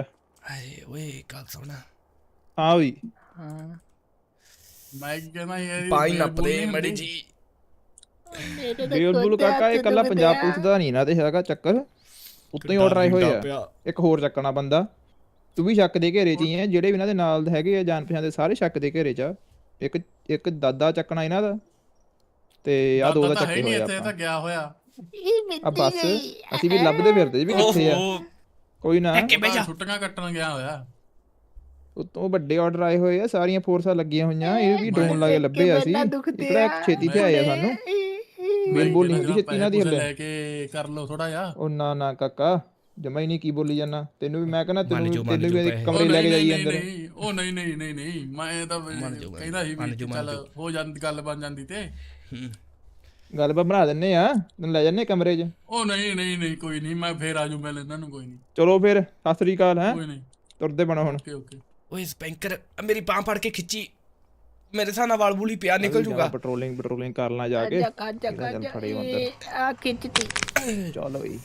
Speaker 1: ਆਏ ਓਏ ਗੱਲ ਸੁਣ
Speaker 3: ਹਾਂ ਵੀ
Speaker 2: ਹਾਂ
Speaker 4: ਮੈਂ ਕੀ ਕਹਿੰਦਾ ਯਾਰ
Speaker 1: ਪਾਈ ਨੱਪਦੇ ਮੜੀ ਜੀ
Speaker 5: ਮੇਰੇ ਤਾਂ
Speaker 3: ਬੇਲਬੁਲ
Speaker 5: ਗੋਡੇ
Speaker 3: ਕਾਕਾ ਇਹ
Speaker 5: ਹੱਥ
Speaker 3: ਕੱਲਾ
Speaker 5: ਦੁਖਦੇ
Speaker 3: ਪੰਜਾਬ
Speaker 5: ਆ।
Speaker 3: ਪੁਲਿਸ ਦਾ ਨਹੀਂ ਨਾ ਤੇ ਹੈਗਾ ਚੱਕਰ ਉੱਤੋਂ ਹੀ ਆਰਡਰ ਆਏ ਹੋਏ ਆ ਇੱਕ ਹੋਰ ਚੱਕਣਾ ਬੰਦਾ ਤੂੰ ਵੀ ਸ਼ੱਕ ਦੇ ਘੇਰੇ 'ਚ ਹੀ ਹੈ ਜਿਹੜੇ ਵੀ ਇਹਨਾਂ ਦੇ ਨਾਲ ਹੈਗੇ ਆ ਜਾਣ ਪਛਾਣ ਦੇ ਸਾਰੇ ਸ਼ੱਕ ਦੇ ਘੇਰੇ 'ਚ ਆ ਇੱਕ ਦਾਦਾ ਚੱਕਣਾ ਇਹਨਾਂ ਦਾ ਤੇ ਆ ਦੋ ਦਾ
Speaker 4: ਤਾਂ ਹੈ
Speaker 3: ਚੱਕੇ
Speaker 4: ਨਹੀਂ
Speaker 3: ਹੋਏ
Speaker 4: ਇੱਥੇ ਤਾਂ
Speaker 3: ਆਪਾਂ
Speaker 4: ਗਿਆ ਹੋਇਆ
Speaker 5: ਇਹ ਮਿੱਟੀ
Speaker 3: ਆ ਬਸ
Speaker 5: ਗਈ।
Speaker 3: ਅਸੀਂ ਵੀ ਲੱਭਦੇ ਫਿਰਦੇ ਵੀ ਕਿੱਥੇ ਆ ਕੋਈ ਨਾ
Speaker 1: ਕਿ ਬਹਿ ਜਾ
Speaker 4: ਛੁੱਟੀਆਂ ਕੱਟਣ ਗਿਆ ਹੋਇਆ
Speaker 3: ਉਤੋਂ ਵੱਡੇ ਆਰਡਰ ਆਏ ਹੋਏ ਆ ਸਾਰੀਆਂ ਫੋਰਸਾਂ ਲੱਗੀਆਂ ਹੋਈਆਂ ਇਹ ਵੀ ਡਰੋਨ ਲਾ ਕੇ ਲੱਭੇ ਆ ਅਸੀਂ
Speaker 5: ਕਿਵੇਂ ਤਾਂ ਦੁਖਦੇ
Speaker 3: ਇਕੜਾ
Speaker 5: ਆ।
Speaker 3: ਛੇਤੀ ਤੇ ਆਏ ਆ ਸਾਨੂੰ ਮੇਲ ਬੋਲ ਨਹੀਂ ਹੁੰਦੀ ਛੇਤੀ ਇਹਨਾਂ ਦੀ ਹੱਲੇ
Speaker 4: ਲੈ ਕੇ ਕਰ ਲਓ ਥੋੜਾ ਜਿਹਾ
Speaker 3: ਉਹ ਨਾ ਕਾਕਾ ਜਮਾ ਹੀ ਨਹੀਂ ਕੀ ਬੋਲੀ ਜਾਣਾ ਤੈਨੂੰ ਵੀ ਮੈਂ ਕਹਿੰਦਾ
Speaker 1: ਮੰਨ ਜਾਓ,
Speaker 3: ਤੈਨੂੰ ਵੀ
Speaker 1: ਪੈਸੇ।
Speaker 3: ਕਮਰੇ ਲੈ ਕੇ ਜਾਈ ਅੰਦਰ
Speaker 4: ਉਹ ਨਹੀਂ ਮੈਂ ਤਾਂ ਕਹਿੰਦਾ ਸੀ ਵੀ ਚੱਲ ਹੋ ਜਾਂਦੀ ਗੱਲ ਬਣ ਜਾਂਦੀ ਤੇ
Speaker 3: ਗੱਲ ਬਣਾ ਦਿੰਨੇ ਆ ਤੈਨੂੰ ਲੈ ਜੰਨੇ ਕਮਰੇ 'ਚ
Speaker 4: ਉਹ ਨਹੀਂ ਕੋਈ ਨਹੀਂ ਮੈਂ ਫੇਰ ਆਜੂ ਮਿਲ ਇਹਨਾਂ ਨੂੰ ਕੋਈ ਨਹੀਂ
Speaker 3: ਚਲੋ ਫਿਰ ਸਤਿ ਸ੍ਰੀ ਅਕਾਲ ਹੈ
Speaker 4: ਕੋਈ ਨਹੀਂ
Speaker 3: ਤੁਰਦੇ ਬਣੋ ਹੁਣ
Speaker 4: ਓਕੇ
Speaker 1: ਓਏ ਸਪੈਂਕਰ ਮੇਰੀ ਬਾਂਹ ਫੜ ਕੇ ਖਿੱਚੀ ਮੇਰੇ ਸਾਹ ਨਾਲ ਵਾਲ ਬੂਲੀ ਪਿਆ ਨਿਕਲ ਜੂਗਾ
Speaker 3: ਪੈਟਰੋਲਿੰਗ ਕਰ ਲਾਂ ਜਾ ਕੇ
Speaker 5: ਕਾਜਾ
Speaker 3: ਚੱਲ ਫੜੇ
Speaker 5: ਕਾਜਾ
Speaker 3: ਅੰਦਰ।
Speaker 5: ਆ ਖਿੱਚਤੀ
Speaker 3: ਚਲੋ ਬਈ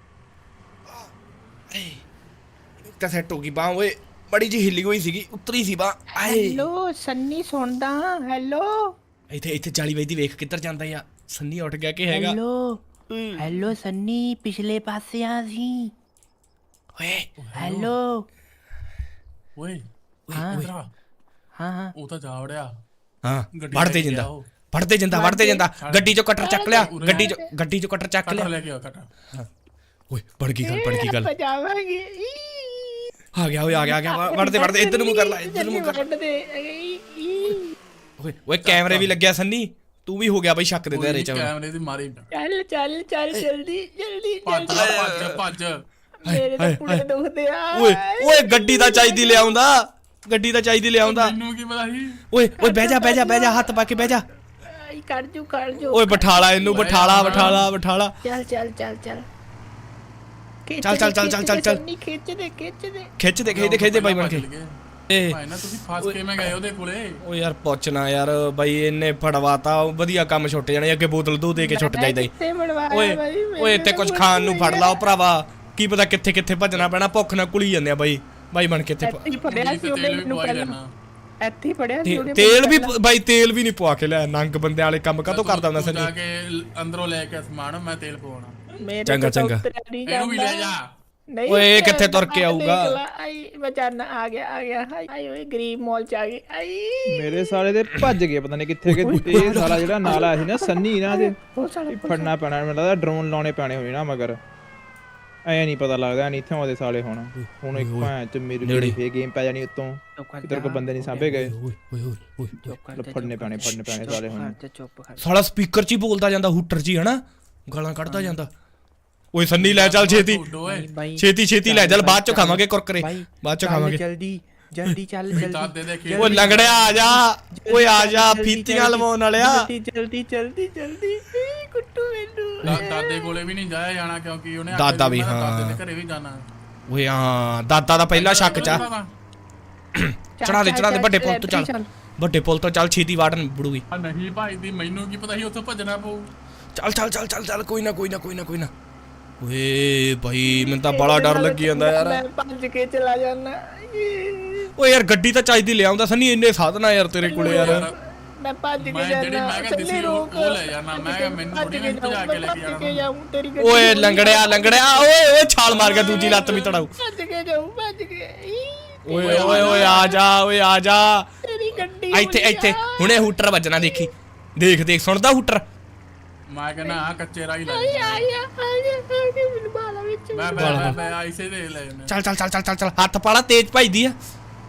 Speaker 1: ਤਾਂ ਸੈੱਟ ਹੋ ਗਈ ਬਾਂਹ ਓਏ ਬੜੀ ਜੀ ਹਿੱਲੀ ਹੋਈ ਸੀਗੀ ਉਤਰੀ ਸੀ ਬਾਂਹ ਆਏ
Speaker 2: ਹੈਲੋ ਸੰਨੀ ਸੁਣਦਾ ਹੈਲੋ
Speaker 1: ਇੱਥੇ ਜਾਲੀ ਵਜਦੀ ਵੇਖ ਕਿੱਧਰ ਜਾਂਦਾ ਆ ਸੰਨੀ ਉੱਠ ਗਿਆ ਕਿ ਹੈਗਾ
Speaker 2: ਹੈਲੋ ਸੰਨੀ ਪਿਛਲੇ ਪਾਸੇ ਆ ਸੀ
Speaker 1: ਓਏ
Speaker 2: ਹੈਲੋ
Speaker 4: ਓਏ
Speaker 2: ਹਾਂ
Speaker 4: ਇਧਰ ਆ
Speaker 2: ਹਾਂ
Speaker 4: ਉਹ ਤਾਂ ਜਾ ਵੜਿਆ
Speaker 1: ਹਾਂ
Speaker 4: ਗੱਡੀ
Speaker 1: ਵੜਦੇ
Speaker 4: ਲੈ ਕੇ
Speaker 1: ਜਾਂਦਾ
Speaker 4: ਆਓ।
Speaker 1: ਵੜਦੇ ਜਾਂਦਾ ਗੱਡੀ ਚੋਂ ਕਟਰ ਚੱਕ ਲਿਆ ਗੱਡੀ ਚੋਂ ਕਟਰ ਚੱਕ
Speaker 4: ਕਟਰ
Speaker 1: ਲਿਆ
Speaker 4: ਲੈ ਕੇ ਆ ਕਟਰ
Speaker 1: ਓਏ ਬੜ ਗਈ ਗੱਲ
Speaker 5: ਬਚਾਵਾਂਗੇ
Speaker 1: ਆ ਗਿਆ ਵੜਦੇ ਇੱਧਰ ਨੂੰ ਕਰ ਲੈ ਇੱਧਰ ਨੂੰ ਕਰ ਓਏ ਕੈਮਰੇ ਵੀ ਲੱਗਿਆ ਸੰਨੀ ਤੂੰ ਵੀ ਹੋ ਗਿਆ ਬਈ ਸ਼ੱਕ ਦੇ ਦਾਇਰੇ ਚ
Speaker 4: ਕੈਮਰੇ ਦੀ ਮਾਰੀ
Speaker 5: ਚੱਲ ਜਲਦੀ
Speaker 4: ਭੱਜ
Speaker 5: ਮੇਰੇ ਤਾਂ ਪੁੜੇ ਦੁਖਦੇ ਆ
Speaker 1: ਓਏ ਗੱਡੀ ਦਾ ਚਾਹੀਦੀ ਲਿਆਉਂਦਾ
Speaker 4: ਮੈਨੂੰ ਕੀ ਪਤਾ ਸੀ
Speaker 1: ਓਏ ਬਹਿ ਜਾ ਹੱਥ ਪਾ ਕੇ ਬਹਿ ਜਾ
Speaker 5: ਆਈ ਕਰ ਜੂ
Speaker 1: ਓਏ ਬਿਠਾਲਾ ਇਹਨੂੰ ਬਿਠਾਲਾ
Speaker 5: ਚੱਲ
Speaker 1: ਚੱਲ
Speaker 5: ਖਿੱਚ ਦੇ
Speaker 1: ਖਿੱਚ ਦੇ ਬਾਈ ਬਣ ਕੇ ਏ
Speaker 4: ਭਾਈ ਨਾ ਤੁਸੀਂ ਫਸ ਕੇ ਮੈਂ ਗਏ ਉਹਦੇ ਕੋਲੇ
Speaker 1: ਓ ਯਾਰ ਪੁੱਛਣਾ ਯਾਰ ਬਾਈ ਇਹਨੇ ਫੜਵਾਤਾ ਵਧੀਆ ਕੰਮ ਛੁੱਟ ਜਾਣੇ ਅੱਗੇ ਬੋਤਲ ਦੋ ਦੇ ਕੇ ਛੁੱਟ ਜਾਈਦਾ ਓਏ ਇੱਥੇ ਕੁਝ ਖਾਣ ਨੂੰ ਫੜ ਲਾ ਭਰਾਵਾ ਕੀ ਪਤਾ ਕਿੱਥੇ ਭੱਜਣਾ ਪੈਣਾ ਭੁੱਖ ਨਾਲ ਕੁਲੀ ਜਾਂਦੇ ਆ ਬਾਈ ਬਣ ਕੇ ਇੱਥੇ
Speaker 2: ਇੱਥੇ ਪੜਿਆ ਸੀ
Speaker 1: ਤੇਲ ਵੀ ਨਹੀਂ ਪਵਾ ਕੇ ਲਿਆ ਨੰਗ ਬੰਦਿਆਂ ਵਾਲੇ ਕੰਮ ਕਾਹਤੋਂ ਕਰਦਾ ਹੁੰਦਾ
Speaker 4: ਜਾ
Speaker 1: ਸੰਨੀ
Speaker 4: ਕੇ ਅੰਦਰੋਂ ਲੈ ਕੇ ਸਮਾਨ ਮੈਂ ਤੇਲ ਪਵਾਉਣਾ
Speaker 1: ਚੰਗਾ
Speaker 4: ਇਹਨੂੰ ਵੀ ਲੈ ਜਾ
Speaker 1: ਓਏ ਇਹ ਕਿੱਥੇ ਤੁਰ ਕੇ ਆਊਗਾ
Speaker 5: ਆਈ ਬਚਾਨਾ ਆ ਗਿਆ ਆਈ ਓਏ ਗਰੀਬ ਮੌਲ ਚ ਆ ਗਈ ਆਈ
Speaker 3: ਮੇਰੇ ਸਾਲੇ ਦੇ ਭੱਜ ਗਏ ਪਤਾ ਨਹੀਂ ਕਿੱਥੇ ਤੇ ਇਹ ਸਾਲਾ ਜਿਹੜਾ ਨਾਲ ਆਇਆ ਸੀ ਨਾ ਸੰਨੀ ਇਹਨਾਂ ਦੇ ਫੜਨਾ ਪੈਣਾ ਮੈਨੂੰ ਲੱਗਦਾ ਡਰੋਨ ਲਾਉਣੇ ਪੈਣੇ ਹੋਏ ਨਾ ਮਗਰ ਐ ਨਹੀਂ ਪਤਾ ਲੱਗਦਾ ਨਹੀਂ ਇੱਥੇ ਆਉਂਦੇ ਸਾਲੇ ਹੁਣ ਇੱਕ ਭਾਂ ਚ ਮੇਰੀ ਫੇ ਗੇਮ ਪੈ ਜਾਣੀ ਉੱਤੋਂ ਕਿਧਰ ਕੋ ਬੰਦੇ ਨਹੀਂ ਸਾਂਭੇ ਗਏ ਫੜਨੇ ਪੈਣੇ ਸਾਲੇ ਹੁਣ
Speaker 1: ਸਾਲਾ ਸਪੀਕਰ 'ਚ ਹੀ ਬੋਲਦਾ ਜਾਂਦਾ ਹੂਟਰ 'ਚ ਹੀ ਹਨਾ ਗਾਲਾਂ ਕੱਢਦਾ ਜਾਂਦਾ ਓਏ ਸੰਨੀ ਲੈ ਚੱਲ ਛੇਤੀ ਲੈ ਚੱਲ ਬਾਅਦ ਚ ਖਾਵਾਂਗੇ ਕੁਰਕਰੇ ਬਾਅਦ ਚ ਖਾਵਾਂਗੇ
Speaker 2: ਜਲਦੀ ਚੱਲ
Speaker 4: ਦਾਦੇ ਦੇ ਖੇਤ
Speaker 1: ਓਏ ਲੰਗੜਿਆ ਆ ਜਾ ਫੀਤੀਆਂ ਲਵਾਉਣ ਵਾਲਿਆ
Speaker 2: ਜਲਦੀ
Speaker 5: ਕੁੱਟੂ ਮੈਨੂੰ
Speaker 4: ਦਾਦੇ ਕੋਲੇ ਵੀ ਨਹੀਂ ਜਾਇਆ ਜਾਣਾ ਕਿਉਂਕਿ ਉਹਨੇ
Speaker 1: ਦਾਦਾ ਵੀ,
Speaker 4: ਦਾਦੇ
Speaker 1: ਹਾਂ।
Speaker 4: ਦੇ ਘਰੇ ਵੀ ਜਾਣਾ
Speaker 1: ਓਏ ਹਾਂ ਦਾਦਾ ਦਾ ਪਹਿਲਾ ਸ਼ੱਕ ਚ ਚੜਾ ਦੇ ਵੱਡੇ ਪੁੱਲ ਤੋਂ ਚੱਲ ਛੇਤੀ ਵਾਟ ਬੜੂਗੀ
Speaker 4: ਨਹੀਂ ਭਾਈ ਦੀ ਮੈਨੂੰ ਕੀ ਪਤਾ ਸੀ ਉੱਥੋਂ ਭੱਜਣਾ ਪਊ
Speaker 1: ਚੱਲ ਕੋਈ ਨਾ ਓਏ ਭਾਈ ਮੈਨੂੰ ਤਾਂ ਬੜਾ ਡਰ ਲੱਗੀ ਜਾਂਦਾ ਯਾਰ
Speaker 5: ਮੈਂ ਭੱਜ ਕੇ ਚਲਾ ਜਾਣਾ
Speaker 1: ਓਏ ਯਾਰ ਗੱਡੀ ਤਾਂ ਚਾਹੀਦੀ ਲਿਆਉਂਦਾ ਸੰਨੀ ਇੰਨੇ ਸਾਧਨ ਆ ਯਾਰ ਤੇਰੇ ਕੋਲੇ ਯਾਰ
Speaker 5: ਮੈਂ ਭੱਜ ਕੇ
Speaker 4: ਮੈਂ ਜਿਹੜੀ
Speaker 5: ਜਾਣਾ
Speaker 4: ਮੈਂ ਕਿਹਾ ਦਿਸੀ ਉਹ ਲੈ ਜਾਣਾ ਮੈਂ ਕਿਹਾ ਮੈਨੂੰ ਥੋੜੀ ਨਹੀਂ ਭਜਾ ਕੇ ਲੈ ਕੇ ਜਾਣਾ
Speaker 1: ਓਏ ਲੰਗੜਿਆ ਓਏ ਛਾਲ ਮਾਰ ਗਿਆ ਦੂਜੀ ਲੱਤ ਵੀ ਤੜਾਉ
Speaker 5: ਭੱਜ ਕੇ
Speaker 1: ਓਏ ਆ ਜਾ
Speaker 5: ਤੇਰੀ ਗੱਡੀ
Speaker 1: ਇੱਥੇ ਹੁਣੇ ਹੂਟਰ ਵੱਜਣਾ ਦੇਖੀ ਦੇਖ ਸੁਣਦਾ ਹੂਟਰ
Speaker 4: ਮੈਂ ਕਹਿੰਦਾ ਆ ਕੱਚੇ ਰਾਹ ਹੀ ਲੈ
Speaker 5: ਆਇਆ ਮੈਨੂੰ ਬਾਲਾ ਵਿੱਚ
Speaker 4: ਮੈਂ ਆਈਸੇ ਦੇ ਲੈ ਜਾਣਾ
Speaker 1: ਚੱਲ ਹੱਥ ਪਾਲਾ ਤੇਜ਼ ਭਜਦੀ ਆ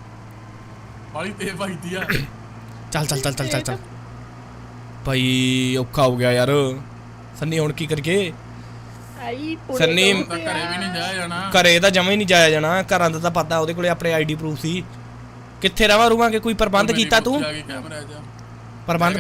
Speaker 4: ਬਾਲੀ ਤੇ ਭਾਈਦੀ ਆ
Speaker 1: ਚੱਲ ਭਾਈ ਔਖਾ ਹੋ ਗਿਆ ਯਾਰ ਸੰਨੀ ਹੁਣ ਕੀ ਕਰੀਏ
Speaker 5: ਆਈ
Speaker 1: ਸੰਨੀ
Speaker 4: ਤਾਂ ਘਰੇ ਵੀ ਨਹੀਂ ਜਾਇਆ ਜਾਣਾ
Speaker 1: ਘਰੇ ਤਾਂ ਜਮਾ ਹੀ ਨਹੀਂ ਜਾਇਆ ਜਾਣਾ ਘਰਾਂ ਦਾ ਤਾਂ ਪਤਾ ਉਹਦੇ ਕੋਲੇ ਆਪਣੇ ਆਈਡੀ ਪ੍ਰੂਫ ਸੀ ਕਿੱਥੇ ਰਵਾਂਗੇ ਕੋਈ ਪ੍ਰਬੰਧ ਕੀਤਾ ਤੂੰ
Speaker 4: ਕੈਮਰਾ ਜਾ
Speaker 1: ਪ੍ਰਬੰਧ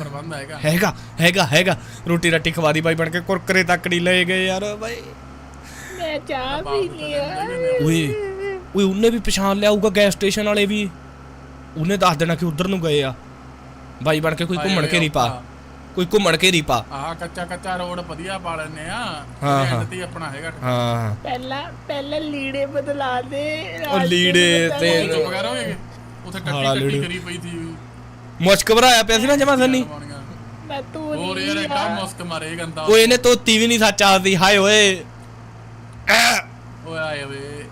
Speaker 1: ਹੈਗਾ ਰੋਟੀ ਰੱਟੀ ਖਵਾ ਦੀ ਬਾਈ ਬਣ ਕੇ ਕੁਰਕਰੇ ਤੱਕ ਨਹੀਂ ਲਏ ਗਏ ਯਾਰ ਬਾਈ
Speaker 5: ਮੈਂ ਚਾਹ ਪੀ ਲਿਆ
Speaker 1: ਓਏ ਉਹਨੇ ਵੀ ਪਛਾਣ ਲਿਆ ਹੋਊਗਾ ਗੈਸ ਸਟੇਸ਼ਨ ਵਾਲੇ ਵੀ ਉਹਨੇ ਦੱਸ ਦੇਣਾ ਕਿ ਉਧਰ ਨੂੰ ਗਏ ਆ ਬਾਈ ਬਣ ਕੇ ਕੋਈ ਘੁੰਮਣ ਘੇਰੀ ਪਾ ਕੋਈ ਘੁੰਮਣ ਘੇਰੀ ਪਾ।
Speaker 4: ਆਹ ਕੱਚਾ ਰੋਡ ਵਧੀਆ ਪਾ ਲੈਨੇ ਆ।
Speaker 1: ਹਾਂ,
Speaker 4: ਇਹਦੇ
Speaker 1: ਹਾਂ।
Speaker 4: end ਤੇ ਹੀ ਆਪਣਾ ਹੈਗਾ।
Speaker 1: ਹਾਂ
Speaker 5: ਪਹਿਲਾਂ ਲੀੜੇ ਬਦਲਾ ਦੇ
Speaker 1: ਉਹ ਲੀੜੇ ਤੇ
Speaker 4: ਚੁੱਪ ਕਰ ਓਏ। ਉੱਥੇ
Speaker 1: ਹਾਲਾ
Speaker 4: ਟੱਟੀ
Speaker 1: ਲੀੜੇ।
Speaker 4: ਕਰੀ ਪਈ ਸੀ।
Speaker 1: ਮੁਸ਼ਕ ਭਰਾਇਆ ਪਿਆ ਸੀ ਨਾ ਜਮਾ ਸੰਨੀ।
Speaker 5: ਮੈਂ ਤੂੰ
Speaker 4: ਹੋਰ ਯਾਰ ਐਡਾ ਮੁਸਕ ਮਾਰੇ ਗੰਦਾ।
Speaker 1: ਓਏ ਇਹਨੇ ਧੋਤੀ ਵੀ ਨਹੀਂ ਸੱਚ ਆਦੀ। ਹਾਏ ਓਏ
Speaker 4: ਓਏ ਆਏ ਓਏ।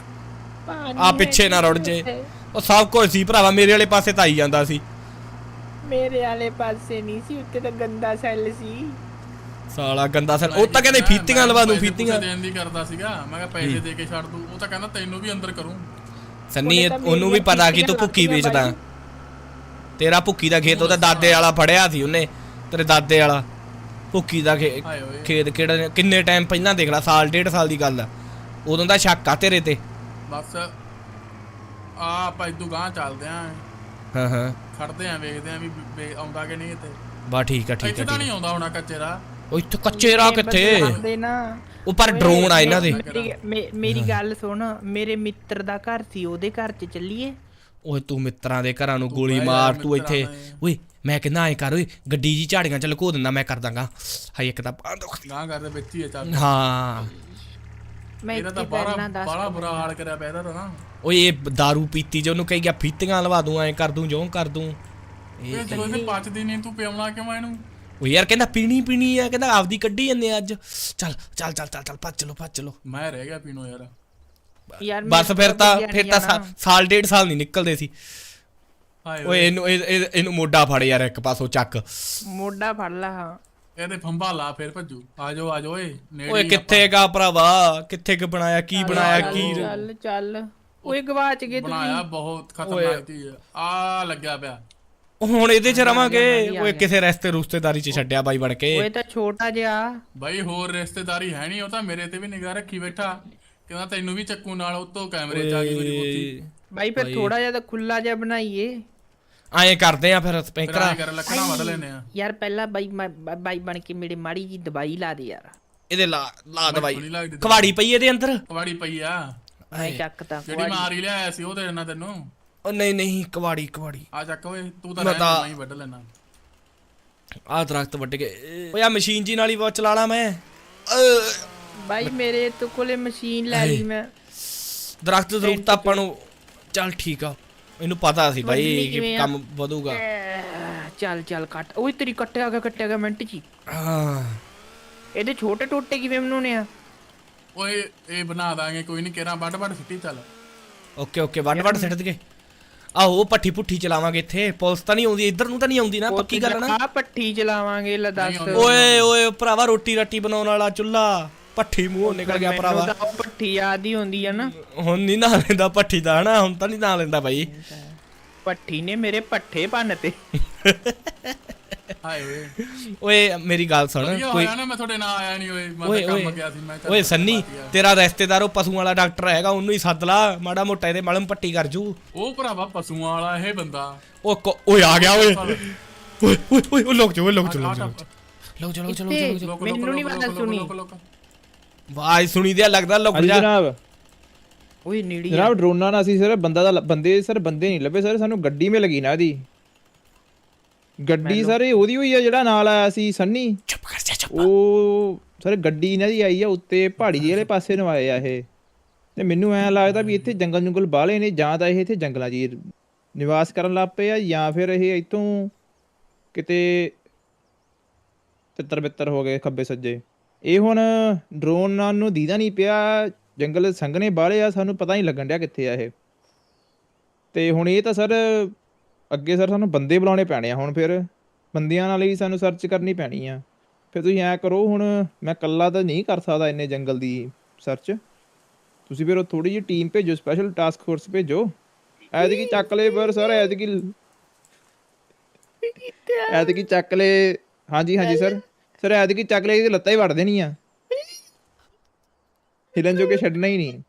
Speaker 1: ਆ ਪਿੱਛੇ ਨਾ ਰੁੜ ਜੇ। ਉਹ ਸਭ ਕੁਝ ਸੀ ਭਰਾਵਾ, ਮੇਰੇ ਵਾਲੇ ਪਾਸੇ ਤਾਂ ਆਈ ਜਾਂਦਾ ਸੀ।
Speaker 5: ਮੇਰੇ ਵਾਲੇ ਪਾਸੇ ਨਹੀਂ ਸੀ, ਉੱਤੇ ਤਾਂ ਗੰਦਾ ਸੈੱਲ ਸੀ।
Speaker 1: ਸਾਲਾ ਗੰਦਾ ਸਰ। ਉਹ ਤਾਂ ਕਹਿੰਦੇ ਫੀਤੀਆਂ ਲਵਾ ਦੂੰ, ਫੀਤੀਆਂ
Speaker 4: ਦੇਣ ਦੀ ਕਰਦਾ ਸੀਗਾ। ਮੈਂ ਕਿਹਾ ਪੈਸੇ ਦੇ ਕੇ ਛੱਡ ਦੂੰ। ਉਹ ਤਾਂ ਕਹਿੰਦਾ ਤੈਨੂੰ ਵੀ ਅੰਦਰ ਕਰੂੰ।
Speaker 1: ਸੰਨੀ ਉਹਨੂੰ ਵੀ ਪਤਾ ਕਿ ਤੂੰ ਭੁੱਕੀ ਵੇਚਦਾ। ਤੇਰਾ ਭੁੱਕੀ ਦਾ ਖੇਤ ਉਹਦਾ ਦਾਦੇ ਵਾਲਾ ਫੜਿਆ ਸੀ ਉਹਨੇ, ਤੇਰੇ ਦਾਦੇ ਵਾਲਾ ਭੁੱਕੀ ਦਾ
Speaker 4: ਹਾਏ ਓਏ।
Speaker 1: ਖੇਤ ਕਿਹੜਾ ਕਿੰਨੇ ਟਾਈਮ ਪਹਿਲਾਂ ਦੇਖ ਲੈ, ਸਾਲ ਡੇਢ ਸਾਲ ਦੀ ਗੱਲ ਆ। ਉਦੋਂ ਦਾ ਸ਼ੱਕ ਆ ਤੇਰੇ ਤੇ।
Speaker 4: ਬਸ ਆਪਾਂ ਇਦੋਂ ਗਾਂ ਚੱਲਦੇ ਆਂ।
Speaker 1: ਹਾਂ
Speaker 4: ਖੜਦੇ ਆਂ, ਵੇਖਦੇ ਆਂ ਵੀ ਆਉਂਦਾ ਕਿ ਨਹੀਂ ਇੱਥੇ।
Speaker 1: ਬਾ ਠੀਕ ਆ ਠੀਕ
Speaker 4: ਇੱਥੇ
Speaker 1: ਆ
Speaker 4: ਤਾਂ ਨਹੀਂ ਆਉਂਦਾ ਹੋਣਾ ਕੱਚੇ ਦਾ।
Speaker 1: ਉਹ ਇੱਥੇ ਕੱਚੇ ਰਾਹ ਕਿੱਥੇ।
Speaker 5: ਦੇ ਨਾ
Speaker 1: ਉਹ ਪਰ ਡਰੋਨ ਆ ਇਹਨਾਂ ਦੇ।
Speaker 2: ਮੇਰੀ ਗੱਲ ਸੁਣ, ਮੇਰੇ ਮਿੱਤਰ ਦਾ ਘਰ ਸੀ, ਉਹਦੇ ਘਰ 'ਚ ਚੱਲੀਏ।
Speaker 1: ਓਏ ਤੂੰ ਮਿੱਤਰਾਂ ਦੇ ਘਰਾਂ ਨੂੰ ਗੋਲੀ ਮਾਰ। ਤੂੰ ਇੱਥੇ ਓਏ ਮੈਂ ਕਹਿੰਦਾ ਐ ਕਰ, ਓਏ ਗੱਡੀ ਜੀ ਝਾੜੀਆਂ ਚ ਲੁਕੋ ਦਿੰਦਾ, ਮੈਂ ਕਰ ਦਾਂਗਾ। ਹਾਏ ਇੱਕ ਤਾਂ
Speaker 4: ਗਾਂ ਕਰਦੇ ਵਿੱਚ ਹੀ ਆ ਚੱਲ।
Speaker 1: ਹਾਂ
Speaker 2: ਮੈਂ
Speaker 4: ਇਹਦਾ ਤਾਂ
Speaker 2: ਇੱਥੇ ਪਹਿਲਾਂ ਦੱਸ
Speaker 4: ਬੜਾ ਬੁਰਾ ਹਾਲ ਕਰਿਆ ਪਿਆ ਇਹਦਾ ਤਾਂ ਨਾ।
Speaker 1: ਓਏ ਇਹ दारू ਪੀਤੀ ਜੇ ਉਹਨੂੰ ਕਹੀ ਗਿਆ ਫੀਤੀਆਂ ਲਵਾ ਦੂੰ, ਐ ਕਰ ਦੂੰ, ਜੋ ਕਰ ਦੂੰ।
Speaker 4: ਇਹ ਜਦੋਂ ਇਹਦੇ ਪਚਦੀ ਨਹੀਂ ਤੂੰ ਪਿਆਉਣਾ ਕਿਉਂ ਇਹਨੂੰ?
Speaker 1: ਓ ਯਾਰ ਕਹਿੰਦਾ ਪੀਣੀ ਆ, ਕਹਿੰਦਾ ਆਪਦੀ ਕੱਢੀ ਜਾਂਦੇ ਆ ਅੱਜ। ਚੱਲ ਭੱਜ ਚਲੋ।
Speaker 4: ਮੈਂ ਰਹਿ ਗਿਆ ਪੀਣੋ ਯਾਰ।
Speaker 2: ਯਾਰ
Speaker 1: ਬਸ ਫਿਰ ਤਾਂ ਸਾਲ ਡੇਢ ਸਾਲ ਨਹੀਂ ਨਿਕਲਦੇ ਸੀ।
Speaker 4: ਹਾਏ
Speaker 1: ਓਏ ਇਹਨੂੰ ਮੋਢਾ ਫੜ ਯਾਰ, ਇੱਕ ਪਾਸੋਂ ਚੱਕ।
Speaker 2: ਮੋਢਾ ਫੜ ਲਾ। ਹਾਂ
Speaker 4: ਇਹਦੇ ਫੰਬਾ ਲਾ ਫਿਰ ਭੱਜੂ। ਆਜੋ ਓਏ ਨੇੜੇ
Speaker 1: ਓਏ ਕਿੱਥੇ ਗਾ ਭਰਾਵਾ, ਕਿੱਥੇ ਕਿ ਬਣਾਇਆ, ਕੀ ਬਣਾਇਆ ਕੀ।
Speaker 2: ਚੱਲ ਓਏ ਗਵਾਚ ਗਏ
Speaker 4: ਬਣਾਇਆ ਬਹੁਤ ਖਤਰਨਾਕ ਚੀਜ਼ ਆ ਲੱਗਿਆ ਪਿਆ।
Speaker 1: ਹੁਣ ਇਹਦੇ ਚ ਰਵਾਂਗੇ। ਓਏ ਕਿਸੇ ਰਿਸ਼ਤੇਦਾਰੀ ਚ ਛੱਡਿਆ ਬਾਈ ਬਣ ਕੇ।
Speaker 2: ਓਏ ਤਾਂ ਛੋਟਾ ਜਿਹਾ
Speaker 4: ਬਾਈ ਹੋਰ ਰਿਸ਼ਤੇਦਾਰੀ ਹੈ ਨਹੀਂ। ਉਹ ਤਾਂ ਮੇਰੇ ਤੇ ਵੀ ਨਿਗਾਹ ਰੱਖੀ ਬੈਠਾ, ਕਹਿੰਦਾ ਤੈਨੂੰ ਵੀ ਚੱਕੂ ਨਾਲ। ਉਤੋਂ ਕੈਮਰੇ ਚ ਆ ਗਈ ਮੇਰੀ ਬੋਤੀ।
Speaker 2: ਬਾਈ ਫਿਰ ਥੋੜਾ ਜਿਹਾ ਤਾਂ ਖੁੱਲਾ ਜਿਹਾ ਬਣਾਈਏ।
Speaker 1: ਐਂ ਕਰਦੇ ਆ ਫਿਰ ਸਪੀਕਰਾਂ।
Speaker 4: ਕਰ ਲੱਕੜਾਂ ਵੱਢ ਲੈਨੇ ਆ।
Speaker 2: ਯਾਰ ਪਹਿਲਾਂ ਬਾਈ ਬਣ ਕੇ ਮੇਰੇ ਮਾੜੀ ਜੀ ਦਵਾਈ ਲਾ ਦੇ ਯਾਰ।
Speaker 1: ਇਹਦੇ ਲਾ ਦਵਾਈ।
Speaker 4: ਸੋਹਣੀ ਲੱਗਦੀ
Speaker 1: ਕਵਾੜੀ ਪਈ ਇਹਦੇ ਅੰਦਰ।
Speaker 4: ਕਵਾੜੀ ਪਈ ਆ
Speaker 2: ਮੈਂ ਚੱਕਤਾ
Speaker 4: ਜਿਹੜੀ ਮਾਰ ਹੀ ਲਿਆਇਆ ਸੀ ਉਹ ਦੇ ਦੇਣਾ ਤੈਨੂੰ।
Speaker 1: ਉਹ ਨਹੀਂ ਕਵਾੜੀ
Speaker 4: ਆ ਚੱਕ ਓਏ ਤੂੰ ਤਾਂ
Speaker 1: ਮੈਂ
Speaker 4: ਰਹਿ
Speaker 1: ਤਾਂ-
Speaker 4: ਮੈਂ ਹੀ ਵੱਢ ਲੈਣਾ।
Speaker 1: ਆਹ ਦਰਖਤ ਵੱਢ ਕੇ। ਓਏ ਆ ਮਸ਼ੀਨ ਜੀ ਨਾਲ ਹੀ ਬਹੁਤ ਚਲਾ ਲਾ ਮੈਂ।
Speaker 2: ਬਾਈ ਮੇਰੇ ਤੋਂ ਕੋਲੇ ਮਸ਼ੀਨ ਲੈ ਲਈ ਮੈਂ।
Speaker 1: ਦਰਖਤ ਆਪਾਂ ਨੂੰ ਚੱਲ ਠੀਕ ਆ। ਇਹਨੂੰ ਪਤਾ ਸੀ ਬਾਈ
Speaker 2: ਵੱਢਣੀ
Speaker 1: ਕਿ
Speaker 2: ਕਿਵੇਂ ਆ?
Speaker 1: ਕੰਮ ਵਧੂਗਾ।
Speaker 2: ਚੱਲ ਕੱਟ। ਓਏ ਤੇਰੀ ਕੱਟਿਆ ਗਿਆ ਮਿੰਟ ਚ ਹੀ।
Speaker 1: ਹਾਂ
Speaker 2: ਇਹਦੇ ਛੋਟੇ ਟੋਟੇ ਕਿਵੇਂ ਬਣਾਉਣੇ ਆ?
Speaker 4: ਓਏ ਇਹ ਬਣਾ ਦਾਂਗੇ ਕੋਈ ਨਹੀਂ। ਕੇਰਾਂ ਵੱਢ ਸਿੱਟੀ ਚੱਲ।
Speaker 1: ਓਕੇ ਵੱਡ ਸਿੱਟ ਦਈਏ। ਆਹੋ ਪੱਠੀ ਪੁੱਠੀ ਚਲਾਵਾਂਗੇ ਇੱਥੇ। ਪੁਲਿਸ ਤਾਂ ਨਹੀਂ ਆਉਂਦੀ ਇੱਧਰ ਨੂੰ, ਤਾਂ ਨਹੀਂ ਆਉਂਦੀ ਨਾ, ਪੱਕੀ ਗੱਲ ਨਾ।
Speaker 2: ਆ ਪੱਠੀ ਚਲਾਵਾਂਗੇ ਲੈ ਦੱਸ।
Speaker 1: ਓਏ ਭਰਾਵਾ ਰੋਟੀ ਰੱਟੀ ਬਣਾਉਣ ਵਾਲਾ ਚੁੱਲਾ ਪੱਠੀ ਮੂੰਹੋਂ ਨਿਕਲ ਗਿਆ ਭਰਾਵਾ।
Speaker 2: ਮੈਨੂੰ ਤਾਂ ਉਹ ਪੱਠੀ ਯਾਦ ਹੀ ਹੁੰਦੀ ਆ ਨਾ।
Speaker 1: ਹੁਣ ਨਹੀਂ ਨਾ ਲੈਂਦਾ ਪੱਠੀ ਦਾ ਹਨਾ, ਹੁਣ ਤਾਂ ਨਹੀਂ ਨਾ ਲੈਂਦਾ ਬਾਈ।
Speaker 2: ਪੱਠੀ ਨੇ ਮੇਰੇ ਪੱਠੇ ਭੰਨ ਤੇ।
Speaker 4: ਹਾਏ ਓਏ
Speaker 1: ਓਏ ਮੇਰੀ ਗੱਲ ਸੁਣ।
Speaker 4: ਕੋਈ
Speaker 1: ਕੋਈ
Speaker 4: ਹੋਇਆ ਨਾ ਮੈਂ ਤੁਹਾਡੇ ਨਾਲ ਆਇਆ ਨਹੀਂ। ਓਏ ਮੈਂ ਤਾਂ ਕੰਮ ਗਿਆ ਸੀ। ਮੈਂ
Speaker 1: ਓਏ ਸੰਨੀ ਤੇਰਾ ਰਿਸ਼ਤੇਦਾਰ ਉਹ ਪਸ਼ੂਆਂ ਵਾਲਾ ਡਾਕਟਰ ਹੈਗਾ, ਉਹਨੂੰ ਹੀ ਸੱਦ ਲਾ, ਮਾੜਾ ਮੋਟਾ ਇਹਦੇ ਮਲਮ ਪੱਟੀ ਕਰ ਜੂ।
Speaker 4: ਉਹ ਭਰਾਵਾ ਪਸ਼ੂਆਂ ਵਾਲਾ ਇਹ ਬੰਦਾ।
Speaker 1: ਓਏ ਆ ਗਿਆ ਓਏ ਲੋਕ ਚਲੋ
Speaker 2: ਮੈਨੂੰ ਨਹੀਂ ਪਤਾ ਸੁਣੀ।
Speaker 1: ਆਵਾਜ਼ ਸੁਣੀ ਦਿਆ ਲੱਗਦਾ ਲੁਕ
Speaker 3: ਹਾਂਜੀ
Speaker 1: ਜਾ।
Speaker 3: ਜਨਾਬ।
Speaker 2: ਓਏ ਨੇੜੀ
Speaker 3: ਜਨਾਬ ਡਰੋਨਾਂ ਨਾਲ ਅਸੀਂ ਸਰ ਬੰਦੇ ਨਹੀਂ ਲੱਭੇ ਸਰ। ਸਾਨੂੰ ਗੱਡੀ ਮੇ ਲੱਗੀ ਨਾ ਇਹਦੀ ਗੱਡੀ ਸਰ। ਇਹ ਉਹਦੀ ਹੋਈ ਆ ਜਿਹੜਾ ਨਾਲ ਆਇਆ ਸੀ ਸੰਨੀ।
Speaker 1: ਚੁੱਪ ਕਰ ਜਾ
Speaker 3: ਉਹ ਸਰ ਗੱਡੀ ਇਹਨਾਂ ਦੀ ਆਈ ਆ ਉੱਤੇ ਪਹਾੜੀ ਜਿਹੇ ਵਾਲੇ ਪਾਸੇ ਨੂੰ ਆਏ ਆ ਇਹ। ਤੇ ਮੈਨੂੰ ਐਂ ਲੱਗਦਾ ਵੀ ਇੱਥੇ ਜੰਗਲ ਬਾਹਲੇ ਨੇ, ਜਾਂ ਤਾਂ ਇਹ ਇੱਥੇ ਜੰਗਲਾਂ 'ਚ ਹੀ ਨਿਵਾਸ ਕਰਨ ਲੱਗ ਪਏ ਆ, ਜਾਂ ਫਿਰ ਇਹ ਇੱਥੋਂ ਕਿਤੇ ਤਿੱਤਰ ਬਿੱਤਰ ਹੋ ਗਏ ਖੱਬੇ ਸੱਜੇ। ਇਹ ਹੁਣ ਡਰੋਨ ਨਾਲ ਨੂੰ ਦੀਦਾ ਨਹੀਂ ਪਿਆ। ਜੰਗਲ ਸੰਘਣੇ ਬਾਹਲੇ ਆ, ਸਾਨੂੰ ਪਤਾ ਨਹੀਂ ਲੱਗਣ ਡਿਆ ਕਿੱਥੇ ਆ ਇਹ। ਤੇ ਹੁਣ ਇਹ ਤਾਂ ਸਰ ਅੱਗੇ ਸਰ ਸਾਨੂੰ ਬੰਦੇ ਬੁਲਾਉਣੇ ਪੈਣੇ ਆ। ਹੁਣ ਫਿਰ ਬੰਦਿਆਂ ਨਾਲ ਹੀ ਸਾਨੂੰ ਸਰਚ ਕਰਨੀ ਪੈਣੀ ਆ। ਫਿਰ ਤੁਸੀਂ ਐਂ ਕਰੋ, ਹੁਣ ਮੈਂ ਇਕੱਲਾ ਤਾਂ ਨਹੀਂ ਕਰ ਸਕਦਾ ਇੰਨੇ ਜੰਗਲ ਦੀ ਸਰਚ। ਤੁਸੀਂ ਫਿਰ ਉਹ ਥੋੜੀ ਜਿਹੀ ਟੀਮ ਭੇਜੋ, ਸਪੈਸ਼ਲ ਟਾਸਕ ਫੋਰਸ ਭੇਜੋ। ਐਤਕੀ ਚੱਕ ਲਏ ਪਰ ਸਰ ਐਤਕੀ ਚੱਕ ਲਏ। ਹਾਂਜੀ ਸਰ ਐਤਕੀ ਚੱਕ ਲਏ, ਇਹਦੀ ਲੱਤਾਂ ਹੀ ਵੜ ਦੇਣੀਆਂ, ਹਿਲਣ ਜੋ ਕੇ ਛੱਡਣਾ ਹੀ ਨਹੀਂ।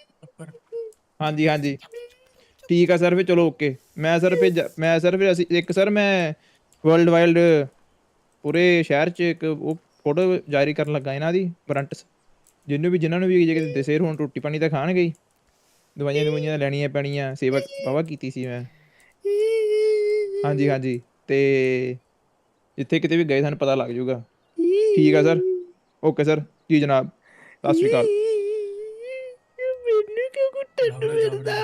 Speaker 3: ਹਾਂਜੀ ਠੀਕ ਆ ਸਰ। ਫਿਰ ਚਲੋ ਓਕੇ। ਮੈਂ ਸਰ ਫਿਰ ਅਸੀਂ ਇੱਕ ਸਰ ਮੈਂ ਵਰਲਡ ਵਾਈਡ ਪੂਰੇ ਸ਼ਹਿਰ 'ਚ ਇੱਕ ਉਹ ਫੋਟੋ ਜਾਰੀ ਕਰਨ ਲੱਗਾ ਇਹਨਾਂ ਦੀ ਵਾਰੰਟਸ। ਜਿਨ੍ਹਾਂ ਨੂੰ ਵੀ ਜੇ ਕਿਤੇ ਦਿਸੇ ਹੁਣ ਰੋਟੀ ਪਾਣੀ ਤਾਂ ਖਾਣਗੇ ਹੀ, ਦਵਾਈਆਂ ਲੈਣੀਆਂ ਪੈਣੀਆਂ। ਸੇਵਾ ਵਾਹਵਾ ਕੀਤੀ ਸੀ ਮੈਂ। ਹਾਂਜੀ ਤੇ ਜਿੱਥੇ ਕਿਤੇ ਵੀ ਗਏ ਸਾਨੂੰ ਪਤਾ ਲੱਗ ਜਾਊਗਾ। ਠੀਕ ਆ ਸਰ, ਓਕੇ ਸਰ ਜੀ ਜਨਾਬ, ਸਤਿ ਸ਼੍ਰੀ ਅਕਾਲ।
Speaker 5: ਮੈਨੂੰ ਕਿਉਂ ਕੁੱਟਣ ਨੂੰ ਮਿਲਦਾ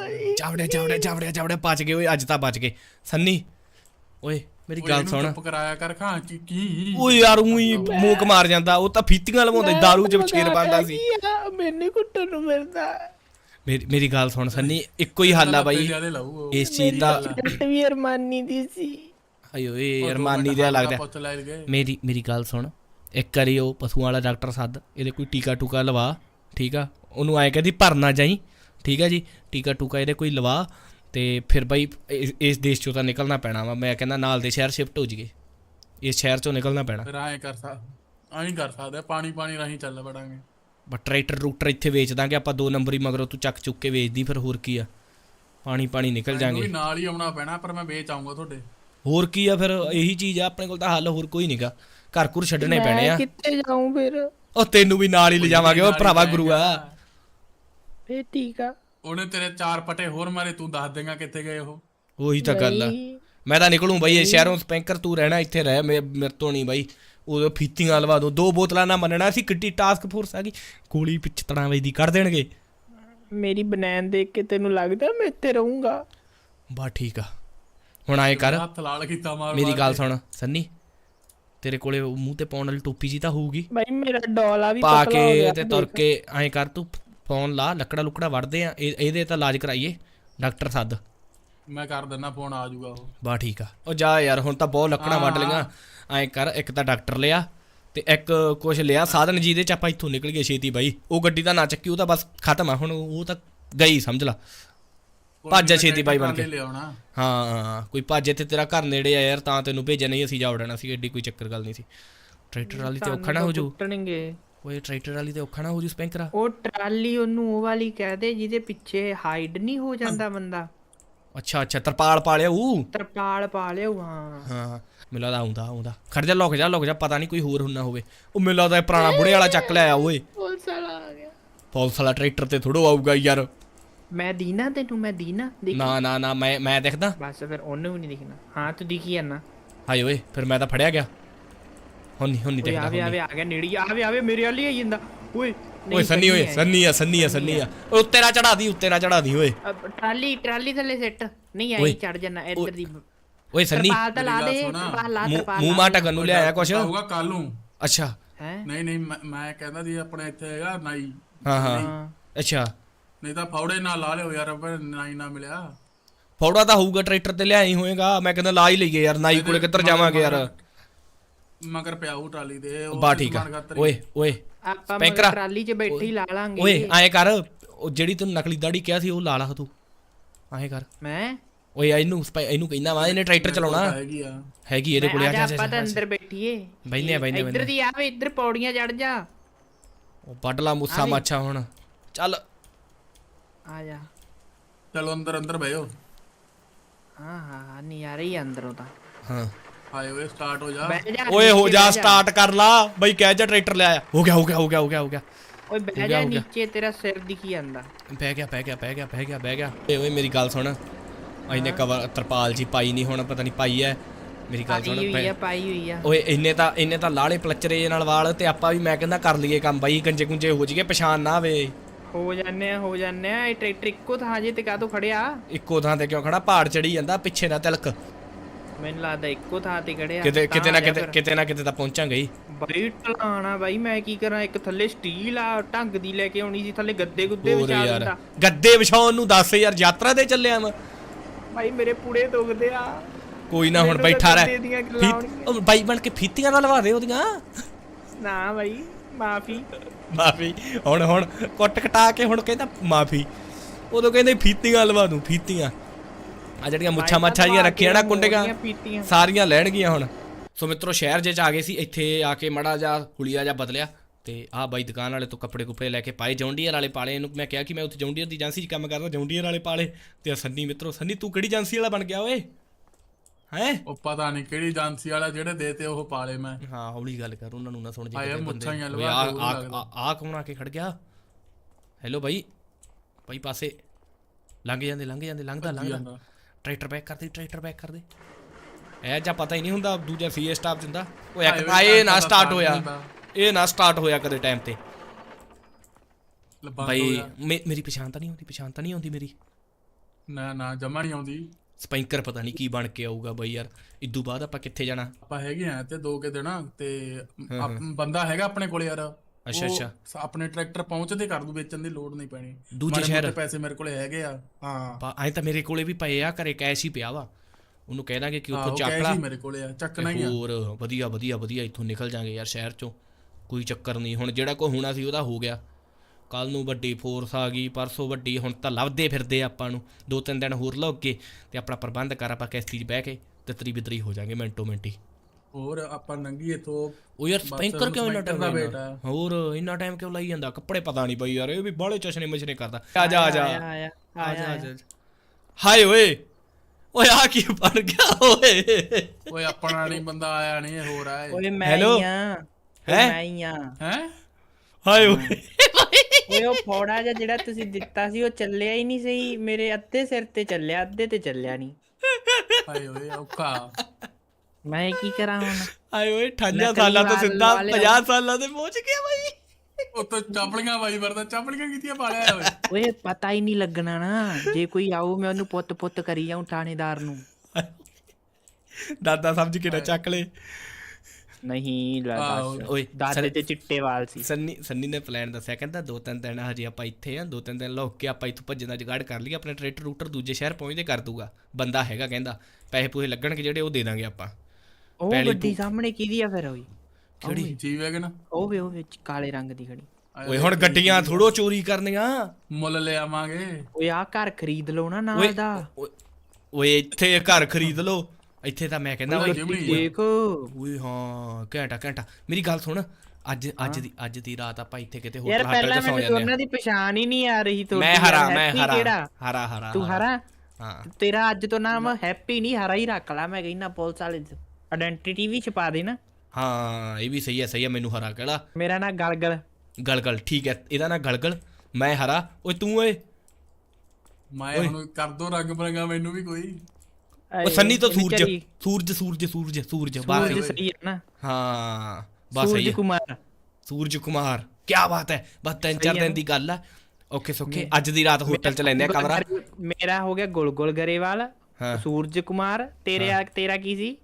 Speaker 1: ਜਾਵੜੇ ਬਚ ਗਏ ਓਏ, ਅੱਜ ਤਾਂ ਬਚ ਗਏ। ਸੰਨੀ ਓਏ ਮੇਰੀ ਗੱਲ ਸੁਣ।
Speaker 4: ਚੁੱਪ ਕਰਾਇਆ ਕਰ ਖਾਂ ਕੀ
Speaker 1: ਓਏ ਯਾਰ ਉਹੀ ਮੂਕ ਮਾਰ ਜਾਂਦਾ, ਉਹ ਤਾਂ ਫੀਤੀਆਂ ਲਵਾਉਂਦਾ ਦਾਰੂ ਚ ਸ਼ੇਰ ਬਣਦਾ ਸੀ।
Speaker 5: ਮੈਨੂੰ ਕੁੱਟਣ ਨੂੰ ਮਿਲਦਾ।
Speaker 1: ਮੇਰੀ ਗੱਲ ਸੁਣ ਸੰਨੀ, ਇੱਕੋ ਹੀ ਹੱਲ ਆ ਬਾਈ ਇਸ ਚੀਜ਼ ਦਾ।
Speaker 5: ਜੱਟ ਵੀ ਅਰਮਾਨੀ ਦੀ ਸੀ।
Speaker 1: ਆਏ ਓਏ ਅਰਮਾਨੀ ਦਾ ਲੱਗਦਾ। ਮੇਰੀ ਗੱਲ ਸੁਣ, ਇੱਕ ਵਾਰੀ ਉਹ ਪਸ਼ੂਆਂ ਵਾਲਾ ਡਾਕਟਰ ਸੱਦ, ਇਹਦੇ ਕੋਈ ਟੀਕਾ ਟੂਕਾ ਲਵਾ, ਠੀਕ ਆ। ਉਹਨੂੰ ਆਏ ਕਹਿੰਦੀ ਭਰਨਾ ਜਾਈ, ਠੀਕ ਆ ਜੀ, ਟੀਕਾ ਟੂਕਾ ਇਹਦੇ ਕੋਈ ਲਵਾ, ਤੇ ਫਿਰ ਬਾਈ ਇਸ ਦੇਸ਼ ਚੋਂ ਤਾਂ ਨਿਕਲਣਾ ਪੈਣਾ ਵਾ। ਮੈਂ ਕਹਿੰਦਾ ਨਾਲ ਦੇ ਸ਼ਹਿਰ ਸ਼ਿਫਟ ਹੋ ਜਾਈਏ, ਇਸ ਸ਼ਹਿਰ ਚੋਂ ਨਿਕਲਣਾ ਪੈਣਾ।
Speaker 4: ਫਿਰ ਐਂ ਕਰ ਸਕਦੇ ਪਾਣੀ ਰਾਹੀਂ ਚੱਲ ਵੜਾਂਗੇ।
Speaker 1: ਬਟ ਟਰੈਕਟਰ ਰੂਟਰ ਇੱਥੇ ਵੇਚ ਦਾਂਗੇ ਆਪਾਂ, 2 ਨੰਬਰ ਹੀ ਮਗਰੋਂ ਤੂੰ ਚੱਕ ਚੁੱਕ ਕੇ ਵੇਚਦੀ, ਫਿਰ ਹੋਰ ਕੀ ਆ, ਪਾਣੀ ਨਿਕਲ ਜਾਾਂਗੇ।
Speaker 4: ਨਾਲ ਹੀ ਆਉਣਾ ਪੈਣਾ, ਪਰ ਮੈਂ ਵੇਚ ਆਊਂਗਾ ਤੁਹਾਡੇ।
Speaker 1: ਹੋਰ ਕੀ ਆ, ਫਿਰ ਇਹੀ ਚੀਜ਼ ਆ ਆਪਣੇ ਕੋਲ ਤਾਂ ਹੱਲ, ਹੋਰ ਕੋਈ ਨਹੀਂਗਾ। ਘਰ ਘੁਰ ਛੱਡਣੇ ਪੈਣੇ ਆ।
Speaker 5: ਕਿੱਥੇ ਜਾਊਂ ਫਿਰ?
Speaker 1: ਉਹ ਤੈਨੂੰ ਵੀ ਨਾਲ ਹੀ ਲਿਜਾਵਾਂਗੇ, ਉਹ ਭਰਾਵਾ ਗੁਰੂ ਆ।
Speaker 5: ਫੇਰ ਠੀਕ ਆ।
Speaker 4: ਉਹਨੇ ਤੇਰੇ 4 ਪਟੇ ਹੋਰ ਮਾਰੇ, ਤੂੰ ਦੱਸ ਦੇਗਾ ਕਿੱਥੇ ਗਏ ਉਹ।
Speaker 1: ਉਹੀ ਤਾਂ ਗੱਲ ਆ। ਮੈਂ ਤਾਂ ਨਿਕਲੂੰ ਬਾਈ ਇਹ ਸ਼ਹਿਰੋਂ, ਸਪੈਂਕਰ ਤੂੰ ਰਹਿਣਾ ਇੱਥੇ ਰਹਿ, ਮੇਰੇ ਤੋਂ ਨਹੀਂ ਬਾਈ। ਉਦੋਂ ਫੀਤੀਆਂ ਲਵਾ ਦੋ, 2 ਬੋਤਲਾਂ ਨਾ ਮੰਨਣਾ ਸੀ। ਕਿੱਡੀ ਟਾਸਕ ਫੋਰਸ ਆ ਗਈ, ਗੋਲੀ ਪਿੱਛਤੜਾਂ ਵਜਦੀ ਕੱਢ ਦੇਣਗੇ।
Speaker 5: ਮੇਰੀ ਬਨੈਣ ਦੇਖ ਕੇ ਤੈਨੂੰ ਲੱਗਦਾ ਮੈਂ ਇੱਥੇ ਰਹੂੰਗਾ?
Speaker 1: ਬਸ ਠੀਕ ਆ, ਹੁਣ ਆਏ ਕਰ,
Speaker 4: ਹੱਥ ਲਾਲ ਕੀਤਾ ਮਾਰ।
Speaker 1: ਮੇਰੀ ਗੱਲ ਸੁਣ ਸੰਨੀ, ਤੇਰੇ ਕੋਲੇ ਮੂੰਹ ਤੇ ਪਾਉਣ ਵਾਲੀ ਟੋਪੀ ਜੀ ਤਾਂ ਹੋਊਗੀ,
Speaker 5: ਬਾਈ ਮੇਰਾ ਡੋਲਾ ਵੀ
Speaker 1: ਪਾ
Speaker 5: ਪਤਲਾ ਹੋ
Speaker 1: ਕੇ
Speaker 5: ਗਿਆ
Speaker 1: ਤੇ ਤੁਰ ਕੇ ਐਂ ਕਰ, ਤੂੰ ਫੋਨ ਲਾ, ਲੱਕੜਾ ਲੁਕੜਾ ਵੜਦੇ ਆ, ਇਹਦੇ ਤਾਂ ਇਲਾਜ ਕਰਾਈਏ, ਡਾਕਟਰ ਸੱਦ।
Speaker 4: ਮੈਂ ਕਰ ਦਿੰਦਾ ਫੋਨ, ਆ ਜਾਊਗਾ ਉਹ।
Speaker 1: ਬਸ ਠੀਕ ਆ। ਉਹ ਜਾ ਯਾਰ, ਹੁਣ ਤਾਂ ਬਹੁਤ ਲੱਕੜਾਂ ਵੱਢ ਲਈਆਂ। ਐਂ ਕਰ, ਇੱਕ ਤਾਂ ਡਾਕਟਰ ਲਿਆ ਤੇ ਇੱਕ ਕੁਛ ਲਿਆ ਸਾਧਨ ਜਿਹਦੇ ਚ ਆਪਾਂ ਇੱਥੋਂ ਨਿਕਲ ਗਏ ਛੇਤੀ ਬਾਈ। ਉਹ ਗੱਡੀ ਤਾਂ ਨਾ ਚੱਕੀ, ਉਹ ਤਾਂ ਬਸ ਖਤਮ ਆ ਹੁਣ, ਉਹ ਤਾਂ ਗਈ ਸਮਝ ਲਾ। ਭੱਜ ਛੇਤੀ ਬਾਈ ਬਣ ਕੇ। ਹਾਂ ਕੋਈ ਭੱਜ, ਇੱਥੇ ਤੇਰਾ ਘਰ ਨੇੜੇ ਆ ਯਾਰ, ਤਾਂ ਤੈਨੂੰ ਭੇਜਿਆ, ਨਹੀਂ ਅਸੀਂ ਜਾ ਵੜਨਾ ਸੀ। ਐਡੀ ਕੋਈ ਚੱਕਰ ਗੱਲ ਨਹੀਂ ਸੀ। ਟਰੈਕਟਰ ਵਾਲੀ ਤੇ ਔਖਾ ਨਾ ਹੋ ਜਾਊ। ਓਏ ਟਰੈਕਟਰ ਵਾਲੀ ਤੇ ਔਖਾ ਨਾ ਹੋ ਜੂ ਸਪੈਂਕਰਾ।
Speaker 2: ਉਹ ਟਰਾਲੀ ਉਹਨੂੰ ਉਹ ਵਾਲੀ ਕਹਿ ਦੇ ਜਿਹਦੇ ਪਿੱਛੇ ਹਾਈਡ ਨਹੀਂ ਹੋ ਜਾਂਦਾ ਬੰਦਾ।
Speaker 1: ਅੱਛਾ ਤਰਪਾਲ ਪਾ ਲਿਆ ਉਹ,
Speaker 2: ਤਰਪਾਲ ਪਾ ਲਿਓ। ਹਾਂ
Speaker 1: ਮੈਨੂੰ ਲੱਗਦਾ ਆਉਂਦਾ ਖੜ ਜਾ, ਲੁਕ ਜਾ ਪਤਾ ਨਹੀਂ ਕੋਈ ਹੋਰ ਹੁੰਦਾ ਹੋਵੇ। ਉਹ ਮੈਨੂੰ ਲੱਗਦਾ ਪੁਰਾਣਾ ਬੁੜੇ ਵਾਲਾ ਚੱਕ ਲਿਆ ਓਏ।
Speaker 5: ਪੁਲਿਸ ਵਾਲਾ ਆ ਗਿਆ।
Speaker 1: ਪੁਲਿਸ ਵਾਲਾ ਟਰੈਕਟਰ ਤੇ ਥੋੜੋ ਆਊਗਾ ਯਾਰ।
Speaker 2: ਮੈਂ ਦੀਨਾ ਤੈਨੂੰ, ਮੈਂ ਦੀਨਾ
Speaker 1: ਨਾ ਮੈਂ ਦਿਖਦਾ
Speaker 2: ਬਸ, ਫਿਰ ਉਹਨੂੰ ਵੀ ਨਹੀਂ ਦਿਖਣਾ। ਹਾਂ ਤੂੰ ਦਿਖੀ ਜਾਂਦਾ।
Speaker 1: ਹਾਏ ਓਏ ਫਿਰ ਮੈਂ ਤਾਂ ਫੜਿਆ ਗਿਆ। ਹੁਣ ਨਹੀਂ ਦਿਖਦਾ।
Speaker 2: ਆਵੇ ਆ ਗਿਆ ਨੇੜੀ, ਆਵੇ ਮੇਰੇ ਵਾਲੀ ਆਈ ਜਾਂਦਾ। ਓਏ
Speaker 1: ਸੰਨੀ ਓਏ, ਸੰਨੀ ਆ। ਉੱਤੇ ਨਾ ਚੜਾ ਦੀ ਓਏ।
Speaker 2: ਟਰਾਲੀ ਥੱਲੇ ਸਿੱਟ ਨਹੀਂ ਆਈ, ਚੜ ਜਾਣਾ ਇੱਧਰ ਦੀ।
Speaker 1: ਓਏ ਸੰਨੀ
Speaker 2: ਤਰਪਾਲ ਤਾਂ ਲਾ ਦੇ, ਤਰਪਾਲ ਲਾ।
Speaker 1: ਮੂੰਹ ਮਾ ਢੱਕਣ ਨੂੰ ਲਿਆਇਆ ਕੁਛ
Speaker 4: ਹੋਊਗਾ ਕੱਲ ਨੂੰ।
Speaker 1: ਅੱਛਾ
Speaker 4: ਨਹੀਂ ਮੈਂ ਕਹਿੰਦਾ ਜੀ ਆਪਣੇ ਇੱਥੇ ਹੈਗਾ ਨਾਈ।
Speaker 1: ਹਾਂ ਅੱਛਾ,
Speaker 4: ਨਹੀਂ ਤਾਂ ਫੌੜੇ ਨਾਲ ਲਾ ਲਿਓ ਯਾਰ, ਨਾਈ ਨਾ ਮਿਲਿਆ।
Speaker 1: ਫੌੜਾ ਤਾਂ ਹੋਊਗਾ, ਟਰੈਕਟਰ ਤੇ ਲਿਆਈ ਹੋਏਗਾ। ਮੈਂ ਕਹਿੰਦਾ ਲਾ ਹੀ ਲਈਏ ਯਾਰ, ਨਾਈ ਕੋਲੇ ਕਿੱਧਰ ਜਾਵਾਂਗੇ ਯਾਰ।
Speaker 4: ਮਗਰ ਪਿਆ ਉਹ ਟਰਾਲੀ ਦੇ।
Speaker 1: ਬਾ ਠੀਕ ਆ। ਓਏ
Speaker 2: ਆਪਾਂ ਟਰਾਲੀ 'ਚ ਬੈਠੇ ਹੀ ਲਾ ਲਾਂਗੇ।
Speaker 1: ਓਏ ਐਂ ਕਰ, ਉਹ ਜਿਹੜੀ ਤੈਨੂੰ ਨਕਲੀ ਦਾੜੀ ਕਿਹਾ ਸੀ ਉਹ ਲਾ ਲਾ ਤੂੰ। ਐਂ ਕਰ
Speaker 2: ਮੈਂ
Speaker 1: ਓਏ ਇਹਨੂੰ ਕਹਿੰਦਾ ਵਾ, ਇਹਨੇ ਟਰੈਕਟਰ ਚਲਾਉਣਾ ਹੈਗੀ ਇਹਦੇ ਕੋਲੇ। ਆ
Speaker 2: ਆਪਾਂ ਤਾਂ ਅੰਦਰ ਬੈਠੀਏ,
Speaker 1: ਬੈਨੇ
Speaker 2: ਇੱਧਰ ਦੀ ਆਵੇ, ਇੱਧਰ ਪੌੜੀਆਂ ਚੜ ਜਾ।
Speaker 1: ਉਹ ਵੱਢ ਲਾ ਮੁੱਸਾ ਮਾਛਾ ਹੁਣ, ਚੱਲ
Speaker 2: ਆ ਜਾ।
Speaker 4: ਚਲੋ ਅੰਦਰ ਬਹਿਓ।
Speaker 2: ਹਾਂ ਨਜ਼ਾਰੇ ਹੀ ਅੰਦਰੋਂ ਤਾਂ।
Speaker 1: ਹਾਂ
Speaker 4: ਹਾਏ ਓਏ ਸਟਾਰਟ ਹੋ ਜਾ।
Speaker 1: ਓਏ ਹੋ ਜਾ, ਸਟਾਰਟ ਕਰ ਲਾ ਬਈ। ਕਹਿ ਜਾ ਟਰੈਕਟਰ ਲਿਆ। ਹੋ ਗਿਆ।
Speaker 2: ਓਏ ਬਹਿ ਜਾ ਨੀਚੇ, ਤੇਰਾ ਸਿਰ ਦਿਖੀ ਜਾਂਦਾ।
Speaker 1: ਬਹਿ ਗਿਆ। ਓਏ ਮੇਰੀ ਗੱਲ ਸੁਣ, ਇਹਨੇ ਕਵਰ ਤਰਪਾਲ ਜੀ ਪਾਈ ਨਹੀਂ, ਹੁਣ ਪਤਾ ਨਹੀਂ ਪਾਈ ਐ। ਮੇਰੀ ਗੱਲ ਸੁਣ,
Speaker 2: ਪਾਈ ਹੋਈ ਆ।
Speaker 1: ਓਏ ਇਹਨੇ ਤਾਂ ਲਾਲੇ ਪਲਚਰੇ ਨਾਲ ਵਾਲ, ਤੇ ਆਪਾਂ ਵੀ ਮੈਂ ਕਹਿੰਦਾ ਕਰ ਲਈਏ ਕੰਮ ਬਾਈ, ਗੰਜੇ ਗੁੰਜੇ ਹੋ ਜਾਈਏ, ਪਛਾਣ ਨਾ ਆਵੇ।
Speaker 2: ਹੋ ਜਾਂਦੇ ਆ। ਇਹ ਟਰੈਕਟਰ ਇੱਕੋ ਥਾਂ ਜੇ ਤੇ ਕਾਹਤੋਂ ਖੜਿਆ?
Speaker 1: ਇੱਕੋ ਥਾਂ ਤੇ ਕਿਉਂ ਖੜਾ? ਪਹਾੜ ਚੜੀ ਜਾਂਦਾ, ਪਿੱਛੇ ਨਾ ਤਿਲਕ।
Speaker 2: ਮੈਨੂੰ ਲੱਗਦਾ ਇੱਕੋ ਥਾਂ ਤੇ ਖੜਿਆ।
Speaker 1: ਕਿਤੇ ਨਾ ਕਿਤੇ ਤਾਂ ਪਹੁੰਚਾਂਗੇ ਹੀ
Speaker 2: ਬਾਈ। ਢਲਾਣਾ ਬਾਈ, ਮੈਂ ਕੀ ਕਰਾਂ? ਇੱਕ ਥੱਲੇ ਸਟੀਲ ਆ ਢੰਗ ਦੀ ਲੈ ਕੇ ਆਉਣੀ ਸੀ, ਥੱਲੇ ਗੱਦੇ ਗੁੱਦੇ ਵਿਛਾ ਦਿੰਦਾ।
Speaker 1: ਗੱਦੇ ਵਿਛਾਉਣ ਨੂੰ ਦੱਸ ਯਾਰ, ਯਾਤਰਾ ਤੇ ਚੱਲਿਆ ਮੈਂ
Speaker 2: ਬਾਈ। ਮੇਰੇ ਪੂੜੇ ਦੁਖਦੇ ਆ।
Speaker 1: ਕੋਈ ਨਾ ਹੁਣ ਬੈਠਾ ਰਹਿ। ਬਾਈ ਬਣ ਕੇ ਫੀਤੀਆਂ ਨਾ ਲਵਾ ਦੇ ਉਹਦੀਆਂ।
Speaker 2: ਨਾ ਬਾਈ, ਮਾਫੀ।
Speaker 1: ਹੁਣ ਕੁੱਟ ਕਟਾ ਕੇ ਹੁਣ ਕਹਿੰਦਾ ਮਾਫੀ। ਉਦੋਂ ਕਹਿੰਦੇ ਫੀਤੀਆਂ ਲਵਾ ਦੂੰ। ਫੀਤੀਆਂ ਆ ਜਿਹੜੀਆਂ ਮੁੱਛਾਂ ਮਾਛਾਂ ਜੀਆਂ ਰੱਖੀਆਂ ਨਾ ਕੁੰਡੀਆਂ, ਸਾਰੀਆਂ ਲੈਣਗੀਆਂ ਹੁਣ। ਸੋ ਮਿੱਤਰੋ, ਸ਼ਹਿਰ ਜੇ ਚ ਆ ਗਏ ਸੀ। ਇੱਥੇ ਆ ਕੇ ਮੜਾ ਜਾ ਹੁਲੀਆ ਜਾ ਬਦਲਿਆ, ਤੇ ਆਹ ਬਾਈ ਦੁਕਾਨ ਵਾਲੇ ਤੋਂ ਕੱਪੜੇ ਕੁਪੜੇ ਲੈ ਕੇ ਪਾਏ, ਜੌਂਡੀਅਰ ਵਾਲੇ ਪਾਲੇ। ਇਹਨੂੰ ਮੈਂ ਕਿਹਾ ਕਿ ਮੈਂ ਉੱਥੇ ਜੌਂਡੀਅਰ ਦੀ ਏਜੰਸੀ 'ਚ ਕੰਮ ਕਰਦਾ, ਜੌਂਡੀਅਰ ਵਾਲੇ ਪਾਲੇ। ਤੇ ਸੰਨੀ ਮਿੱਤਰੋ, ਸੰਨੀ ਤੂੰ ਕਿਹੜੀ ਏਜੰਸੀ ਵਾਲਾ ਬਣ ਗਿਆ ਓਏ? ਹੈਂ?
Speaker 4: ਉਹ ਪਤਾ ਨਹੀਂ ਕਿਹੜੀ ਏਜੰਸੀ ਵਾਲਾ, ਜਿਹੜੇ ਦੇਤੇ ਉਹ ਪਾਲੇ ਮੈਂ।
Speaker 1: ਹਾਂ ਹੌਲੀ ਗੱਲ ਕਰ, ਉਹਨਾਂ ਨੂੰ ਨਾ ਸੁਣ ਜੇ। ਆ ਕੌਣ ਆ ਕੇ ਖੜ ਗਿਆ? ਹੈਲੋ ਬਾਈ ਪਾਸੇ ਲੰਘ ਜਾਂਦੇ। ਲੰਘਦਾ ਟਰੈਕਟਰ ਬੈਕ ਕਰ ਦੇ। ਇਹ ਜਾਂ ਪਤਾ ਹੀ ਨਹੀਂ ਹੁੰਦਾ ਦੂਜਾ ਸੀਏ ਸਟਾਫ 'ਚ ਹੁੰਦਾ। ਉਹ ਇੱਕ ਤਾਂ ਇਹ ਨਾ ਸਟਾਰਟ ਹੋਇਆ, ਇਹ ਨਾ ਸਟਾਰਟ ਹੋਇਆ ਕਦੇ ਟਾਈਮ ਤੇ ਬਾਈ। ਮੇਰੀ ਪਛਾਣ ਤਾਂ ਨਹੀਂ ਆਉਂਦੀ ਮੇਰੀ।
Speaker 4: ਨਾ ਜਮਾ ਨਹੀਂ ਆਉਂਦੀ।
Speaker 1: ਸਪੈਂਕਰ ਪਤਾ ਨਹੀਂ ਕੀ ਬਣ ਕੇ ਆਊਗਾ ਬਾਈ ਯਾਰ। ਇਦੋਂ ਬਾਅਦ ਆਪਾਂ ਕਿੱਥੇ ਜਾਣਾ?
Speaker 4: ਆਪਾਂ ਹੈਗੇ ਆ ਤੇ 2 ਕੇ ਦਿਨ ਤੇ ਬੰਦਾ ਹੈਗਾ ਆਪਣੇ ਕੋਲ ਯਾਰ।
Speaker 1: ਅੱਛਾ
Speaker 4: ਆਪਣੇ ਟਰੈਕਟਰ ਪਹੁੰਚਦੇ ਕਰ ਦੂ, ਵੇਚਣ ਦੀ ਲੋੜ ਨਹੀਂ ਪੈਣੀ।
Speaker 1: ਦੂਜੇ ਸ਼ਹਿਰ
Speaker 4: ਪੈਸੇ ਮੇਰੇ ਕੋਲੇ ਹੈਗੇ ਆ। ਹਾਂ
Speaker 1: ਐਂ ਤਾਂ ਮੇਰੇ ਕੋਲੇ ਵੀ ਪਏ ਆ, ਘਰੇ ਕੈਸ਼ ਹੀ ਪਿਆ ਵਾ। ਉਹਨੂੰ ਕਹਿ ਦਾਂਗੇ ਕਿ ਉੱਥੋਂ ਚੱਕ ਲਾ।
Speaker 4: ਮੇਰੇ ਕੋਲੇ ਆ, ਚੱਕਣਾ ਹੀ ਆ।
Speaker 1: ਹੋਰ ਵਧੀਆ ਇੱਥੋਂ ਨਿਕਲ ਜਾਾਂਗੇ ਯਾਰ ਸ਼ਹਿਰ ਚੋਂ, ਕੋਈ ਚੱਕਰ ਨਹੀਂ। ਹੁਣ ਜਿਹੜਾ ਕੋਈ ਹੋਣਾ ਸੀ ਉਹਦਾ ਹੋ ਗਿਆ। ਕੱਲ ਨੂੰ ਵੱਡੀ ਫੋਰਸ ਆ ਗਈ, ਪਰਸੋਂ ਵੱਡੀ, ਹੁਣ ਤਾਂ ਲੱਭਦੇ ਫਿਰਦੇ ਆਪਾਂ ਨੂੰ। 2-3 ਦਿਨ ਹੋਰ ਲੁੱਕ ਕੇ ਤੇ ਆਪਣਾ ਪ੍ਰਬੰਧ ਕਰ, ਆਪਾਂ ਕਿਸ਼ਤੀ 'ਚ ਬਹਿ ਕੇ ਤਿੱਤਰੀ ਬਿੱਤਰੀ ਹੋ ਜਾਾਂਗੇ ਮਿੰਟੋ ਮਿੰਟੀ।
Speaker 4: ਹੋਰ ਆਪਾਂ ਨੰਗੀ ਇੱਥੋਂ।
Speaker 1: ਉਹ ਯਾਰ ਸਪੈਂਕਰ ਕਿਉਂ ਇੰਨਾ ਟਾਈਮ ਲਾਈਦਾ? ਹੋਰ ਇੰਨਾ ਟਾਈਮ ਕਿਉਂ ਲਾਈ ਜਾਂਦਾ? ਕੱਪੜੇ ਪਤਾ ਨਹੀਂ ਬਈ ਯਾਰ, ਇਹ ਵੀ ਬਾਹਲੇ ਚਸ਼ਨੇ ਮਸ਼ਨੇ ਕਰਦਾ। ਆ ਜਾ ਹਾਏ ਓਏ ਆ ਕੀ ਬਣ ਗਿਆ
Speaker 4: ਓਏ ਆਪਣਾ ਨਹੀਂ ਬੰਦਾ ਆਇਆ ਨਹੀਂ, ਇਹ ਹੋਰ ਆਇਆ।
Speaker 2: ਓਏ ਮੈਂ
Speaker 1: ਹੈਲੋ
Speaker 2: ਹੀ ਆ
Speaker 4: ਹੈ
Speaker 1: ਹਾਏ
Speaker 2: ਓਏ ਉਹ ਫੋੜਾ ਜਿਹੜਾ ਤੁਸੀਂ ਦਿੱਤਾ ਸੀ ਉਹ ਚੱਲਿਆ ਹੀ ਨਹੀਂ ਸਹੀ। ਮੇਰੇ ਅੱਧੇ ਸਿਰ ਤੇ ਚੱਲਿਆ, ਅੱਧੇ ਤੇ ਚੱਲਿਆ ਨਹੀਂ।
Speaker 4: ਹਾਏ ਓਏ ਔਖਾ।
Speaker 2: ਮੈਂ ਕੀ ਕਰਾਂ ਹੁਣ?
Speaker 1: ਹਾਏ ਓਏ 58 ਸਾਲਾਂ ਤੋਂ ਸਿੱਧਾ 50 ਸਾਲਾਂ ਤੇ ਪਹੁੰਚ ਗਿਆ ਬਾਈ।
Speaker 4: ਉਹ ਤਾਂ ਚਾਪਲੀਆਂ ਬਾਈ ਵਰਦਾ, ਚਾਪਲੀਆਂ ਕੀਤੀਆਂ ਪਾਲਿਆ ਓਏ।
Speaker 2: ਓਏ ਪਤਾ ਹੀ ਨਹੀਂ ਲੱਗਣਾ ਨਾ, ਜੇ ਕੋਈ ਆਊ ਮੈਂ ਉਹਨੂੰ ਪੁੱਤ ਕਰੀ ਜਾਊਂ ਥਾਣੇਦਾਰ ਨੂੰ।
Speaker 1: ਦਾਦਾ ਸਮਝ ਕੇ ਨਾ ਚੱਕ ਲੈ।
Speaker 2: ਨਹੀਂ
Speaker 1: ਓਏ
Speaker 2: ਦਾਦੇ ਤੇ ਚਿੱਟੇ ਵਾਲ ਸੀ।
Speaker 1: ਸੰਨੀ ਨੇ ਪਲਾਨ ਦੱਸਿਆ, ਕਹਿੰਦਾ 2-3 ਦਿਨ ਹਜੇ ਆਪਾਂ ਇੱਥੇ ਆ, 2-3 ਦਿਨ ਲੁੱਕ ਕੇ ਆਪਾਂ ਇੱਥੋਂ ਭੱਜਣ ਦਾ ਜੁਗਾੜ ਕਰ ਲਈਏ, ਆਪਣੇ ਟਰੈਕਟਰ ਰੂਟਰ ਦੂਜੇ ਸ਼ਹਿਰ ਪਹੁੰਚਦੇ ਕਰ ਦੂਗਾ। ਬੰਦਾ ਹੈਗਾ ਕਹਿੰਦਾ, ਪੈਸੇ ਪੂਸੇ ਲੱਗਣਗੇ ਜਿਹੜੇ ਉਹ ਦੇ ਦਾਂਗੇ ਆਪਾਂ।
Speaker 2: ਉਹ ਗੱਡੀ ਸਾਹਮਣੇ ਕਿਹਦੀ ਆ ਫਿਰ? ਓਏ
Speaker 1: ਕਿਹੜੀ
Speaker 4: ਜੀ ਵੈਗਨ?
Speaker 2: ਉਹ ਵਿੱਚ ਕਾਲੇ ਰੰਗ ਦੀ ਖੜੀ।
Speaker 1: ਓਏ ਹੁਣ ਗੱਡੀਆਂ ਥੋੜੋ ਚੋਰੀ ਕਰਨੀਆਂ,
Speaker 4: ਮੁੱਲ ਲੈ ਆਵਾਂਗੇ।
Speaker 2: ਓਏ ਆ ਘਰ ਖਰੀਦ ਲਓ ਨਾ ਨਾਲ ਦਾ।
Speaker 1: ਓਏ ਇੱਥੇ ਘਰ ਖਰੀਦ ਲਓ, ਇੱਥੇ ਤਾਂ ਮੈਂ ਕਹਿੰਦਾ
Speaker 2: ਦੇਖ।
Speaker 1: ਓਏ ਹਾਂ ਘੰਟਾ ਮੇਰੀ ਗੱਲ ਸੁਣ। ਅੱਜ ਦੀ ਰਾਤ ਆਪਾਂ ਇੱਥੇ ਕਿਤੇ ਹੋਟਲ
Speaker 2: ਯਾਰ
Speaker 1: ਹਾਟਲ
Speaker 2: ਪਹਿਲਾਂ
Speaker 1: ਤੇ ਸੌ
Speaker 2: ਮੈਨੂੰ
Speaker 1: ਜਾਂਦੇ
Speaker 2: ਉਹਨਾਂ ਦੀ ਪਛਾਣ ਹੀ ਨਹੀਂ ਆ ਰਹੀ।
Speaker 1: ਮੈਂ ਹਰਾ
Speaker 2: ਤੂੰ ਹਰਾ?
Speaker 1: ਹਾਂ
Speaker 2: ਤੇਰਾ ਅੱਜ ਤੋਂ ਨਾਮ ਹੈਪੀ ਨਹੀਂ, ਹਰਾ ਹੀ ਰੱਖ ਲਾ। ਮੈਂ ਕਹਿੰਦਾ ਪੁਲਿਸ ਵਾਲੇ ਆਇਡੈਂਟੀਟੀ ਵੀ ਛਪਾ ਦੇ ਨਾ।
Speaker 1: ਹਾਂ ਇਹ ਵੀ ਸਹੀ ਹੈ ਮੈਨੂੰ ਹਰਾ ਕਹਿਲਾ।
Speaker 2: ਮੇਰਾ ਨਾਂ ਗਲਗਲ
Speaker 1: ਠੀਕ ਹੈ, ਇਹਦਾ ਨਾਂ ਗਲਗਲ, ਮੈਂ ਹਰਾ। ਓਏ ਤੂੰ ਓਏ
Speaker 4: ਮੈਂ ਹੁਣ ਕਰ ਦੋ ਰੰਗ ਬਰੰਗਾ ਮੈਨੂੰ ਵੀ ਕੋਈ।
Speaker 1: ਉਹ ਸੰਨੀ ਤੋਂ ਸੂਰਜ ਬਾਹਰ
Speaker 2: ਸਹੀ ਹੈ ਨਾ?
Speaker 1: ਹਾਂ ਬਸ ਸਹੀ ਹੈ। ਸੂਰਜ ਕੁਮਾਰ ਕੀ ਬਾਤ ਹੈ। ਬਸ 3-4 ਦਿਨ ਦੀ ਗੱਲ ਆ। ਓਕੇ ਸੋਕੇ ਅੱਜ ਦੀ ਰਾਤ ਹੋਟਲ ਚ ਲੈਂਦੇ ਆ ਕਮਰਾ।
Speaker 2: ਮੇਰਾ ਹੋ ਗਿਆ ਗੁਲਗੁਲ ਗਰੇਵਾਲ, ਸੂਰਜ ਕੁਮਾਰ। ਤੇਰਾ ਕੀ ਸੀ?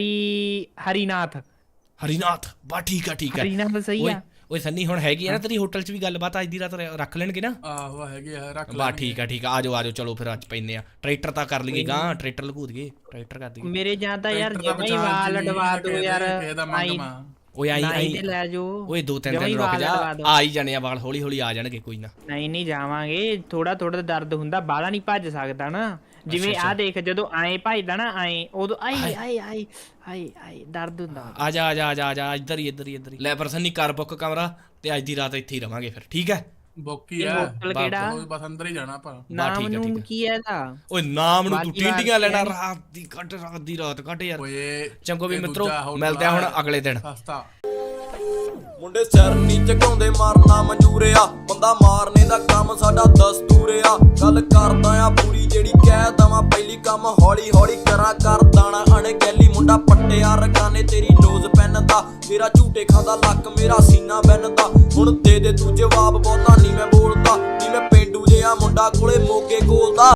Speaker 2: ਹਰੀਨਾਥ
Speaker 1: ਬਾ ਠੀਕ ਆ
Speaker 2: ਹਰੀਨਾਥ ਸਹੀ ਆ।
Speaker 1: ਓਏ ਸੰਨੀ ਹੁਣ ਹੈਗੀ ਆ ਨਾ ਤੇਰੀ ਹੋਟਲ ਚ ਵੀ ਗੱਲਬਾਤ? ਅੱਜ ਦੀ ਰਾਤ ਰੱਖ ਲੈਣਗੇ ਨਾ?
Speaker 4: ਆਹੋ ਹੈਗੇ ਆ, ਰੱਖ
Speaker 1: ਬਾ ਠੀਕ ਆ ਆ ਜਾਓ ਚਲੋ ਫਿਰ ਅੱਜ ਪੈਂਦੇ ਆ। ਟਰੈਕਟਰ ਤਾਂ ਕਰ ਲਈਏ ਗਾਂ, ਟਰੈਕਟਰ ਲਗੂ ਦਈਏ, ਟਰੈਕਟਰ ਕਰ ਦਈਏ।
Speaker 2: ਮੇਰੇ ਜਾਂ ਤਾਂ ਯਾਰ ਜਮਾ ਹੀ ਵਾਲ ਅਡਵਾ ਦੋ ਯਾਰ।
Speaker 1: ਓਏ ਆਈ
Speaker 2: ਲੈ ਜੋ।
Speaker 1: ਓਏ 2-3 ਦਿਨ ਰੁਕ ਜਾ, ਆ ਹੀ ਜਾਣੇ ਆ ਵਾਲ, ਹੌਲੀ ਆ ਜਾਣਗੇ ਕੋਈ ਨਾ।
Speaker 2: ਨਹੀਂ ਜਾਵਾਂਗੇ, ਥੋੜਾ ਦਰਦ ਹੁੰਦਾ, ਬਾਹਲਾ ਨਹੀਂ ਭੱਜ ਸਕਦਾ ਨਾ। ਜਿਵੇਂ ਆ ਦੇਖ, ਜਦੋਂ ਆਏ ਭੱਜਦਾ ਨਾ ਆਏ, ਉਦੋਂ ਆਈ ਦਰਦ ਹੁੰਦਾ।
Speaker 1: ਆ ਜਾ ਇੱਧਰ ਹੀ ਲੈ ਪਰ ਸੰਨੀ ਕਰ ਬੁੱਕ ਕਮਰਾ ਤੇ ਅੱਜ ਦੀ ਰਾਤ ਇੱਥੇ ਹੀ ਰਵਾਂਗੇ ਫਿਰ। ਠੀਕ ਹੈ
Speaker 4: ਬੋਕੀ ਆ
Speaker 2: ਹੋਟਲ ਕਿਹੜਾ?
Speaker 4: ਬਸ ਅੰਦਰ ਹੀ ਜਾਣਾ ਆਪਾਂ।
Speaker 2: ਨਾਮ ਨੂੰ ਕੀ ਹੈ ਇਹਦਾ?
Speaker 1: ਓਏ ਨਾਮ ਨੂੰ ਤੂੰ ਟੀਂਡੀਆਂ ਲੈਣਾ? ਰਾਤ ਦੀ ਰਾਤ ਕੱਟ ਯਾਰ।
Speaker 4: ਓਏ
Speaker 1: ਚੰਗੋ ਵੀ ਮਿੱਤਰੋ, ਮਿਲਦੇ ਆ ਹੁਣ ਅਗਲੇ ਦਿਨ।
Speaker 4: ਸਸਤਾ
Speaker 6: ਮੁੰਡੇ ਸਿਰ ਨੀ ਝੁਕਾਉਂਦੇ, ਮਾਰਨਾ ਮਨਜ਼ੂਰ ਆ, ਬੰਦਾ ਮਾਰਨੇ ਦਾ ਕੰਮ ਸਾਡਾ ਦਸਤੂਰ ਆ। ਗੱਲ ਕਰਦਾ ਆ ਪੂਰੀ ਜਿਹੜੀ ਕਹਿ ਦਵਾਂ, ਪਹਿਲੀ ਕੰਮ ਹੌਲੀ ਕਰਾਂ ਕਰ ਦਾਣਾ। ਅਣਗਹਿਲੀ ਮੁੰਡਾ ਪੱਟਿਆ ਰਗਾਨੇ ਤੇਰੀ ਨੋਜ਼ ਪੈਨ ਦਾ, ਮੇਰਾ ਝੂਟੇ ਖਾਦਾ ਲੱਕ ਮੇਰਾ ਸੀਨਾ ਬੈਨ ਦਾ। ਹੁਣ ਦੇ ਤੂੰ ਜਵਾਬ, ਬਹੁਤਾ ਨੀ ਮੈਂ ਬੋਲਦਾ, ਨੀ ਮੈਂ ਪੇਂਡੂ ਜਿਹਾ ਮੁੰਡਾ ਕੋਲੇ ਮੋਗੇ ਕੋਲ ਦਾ।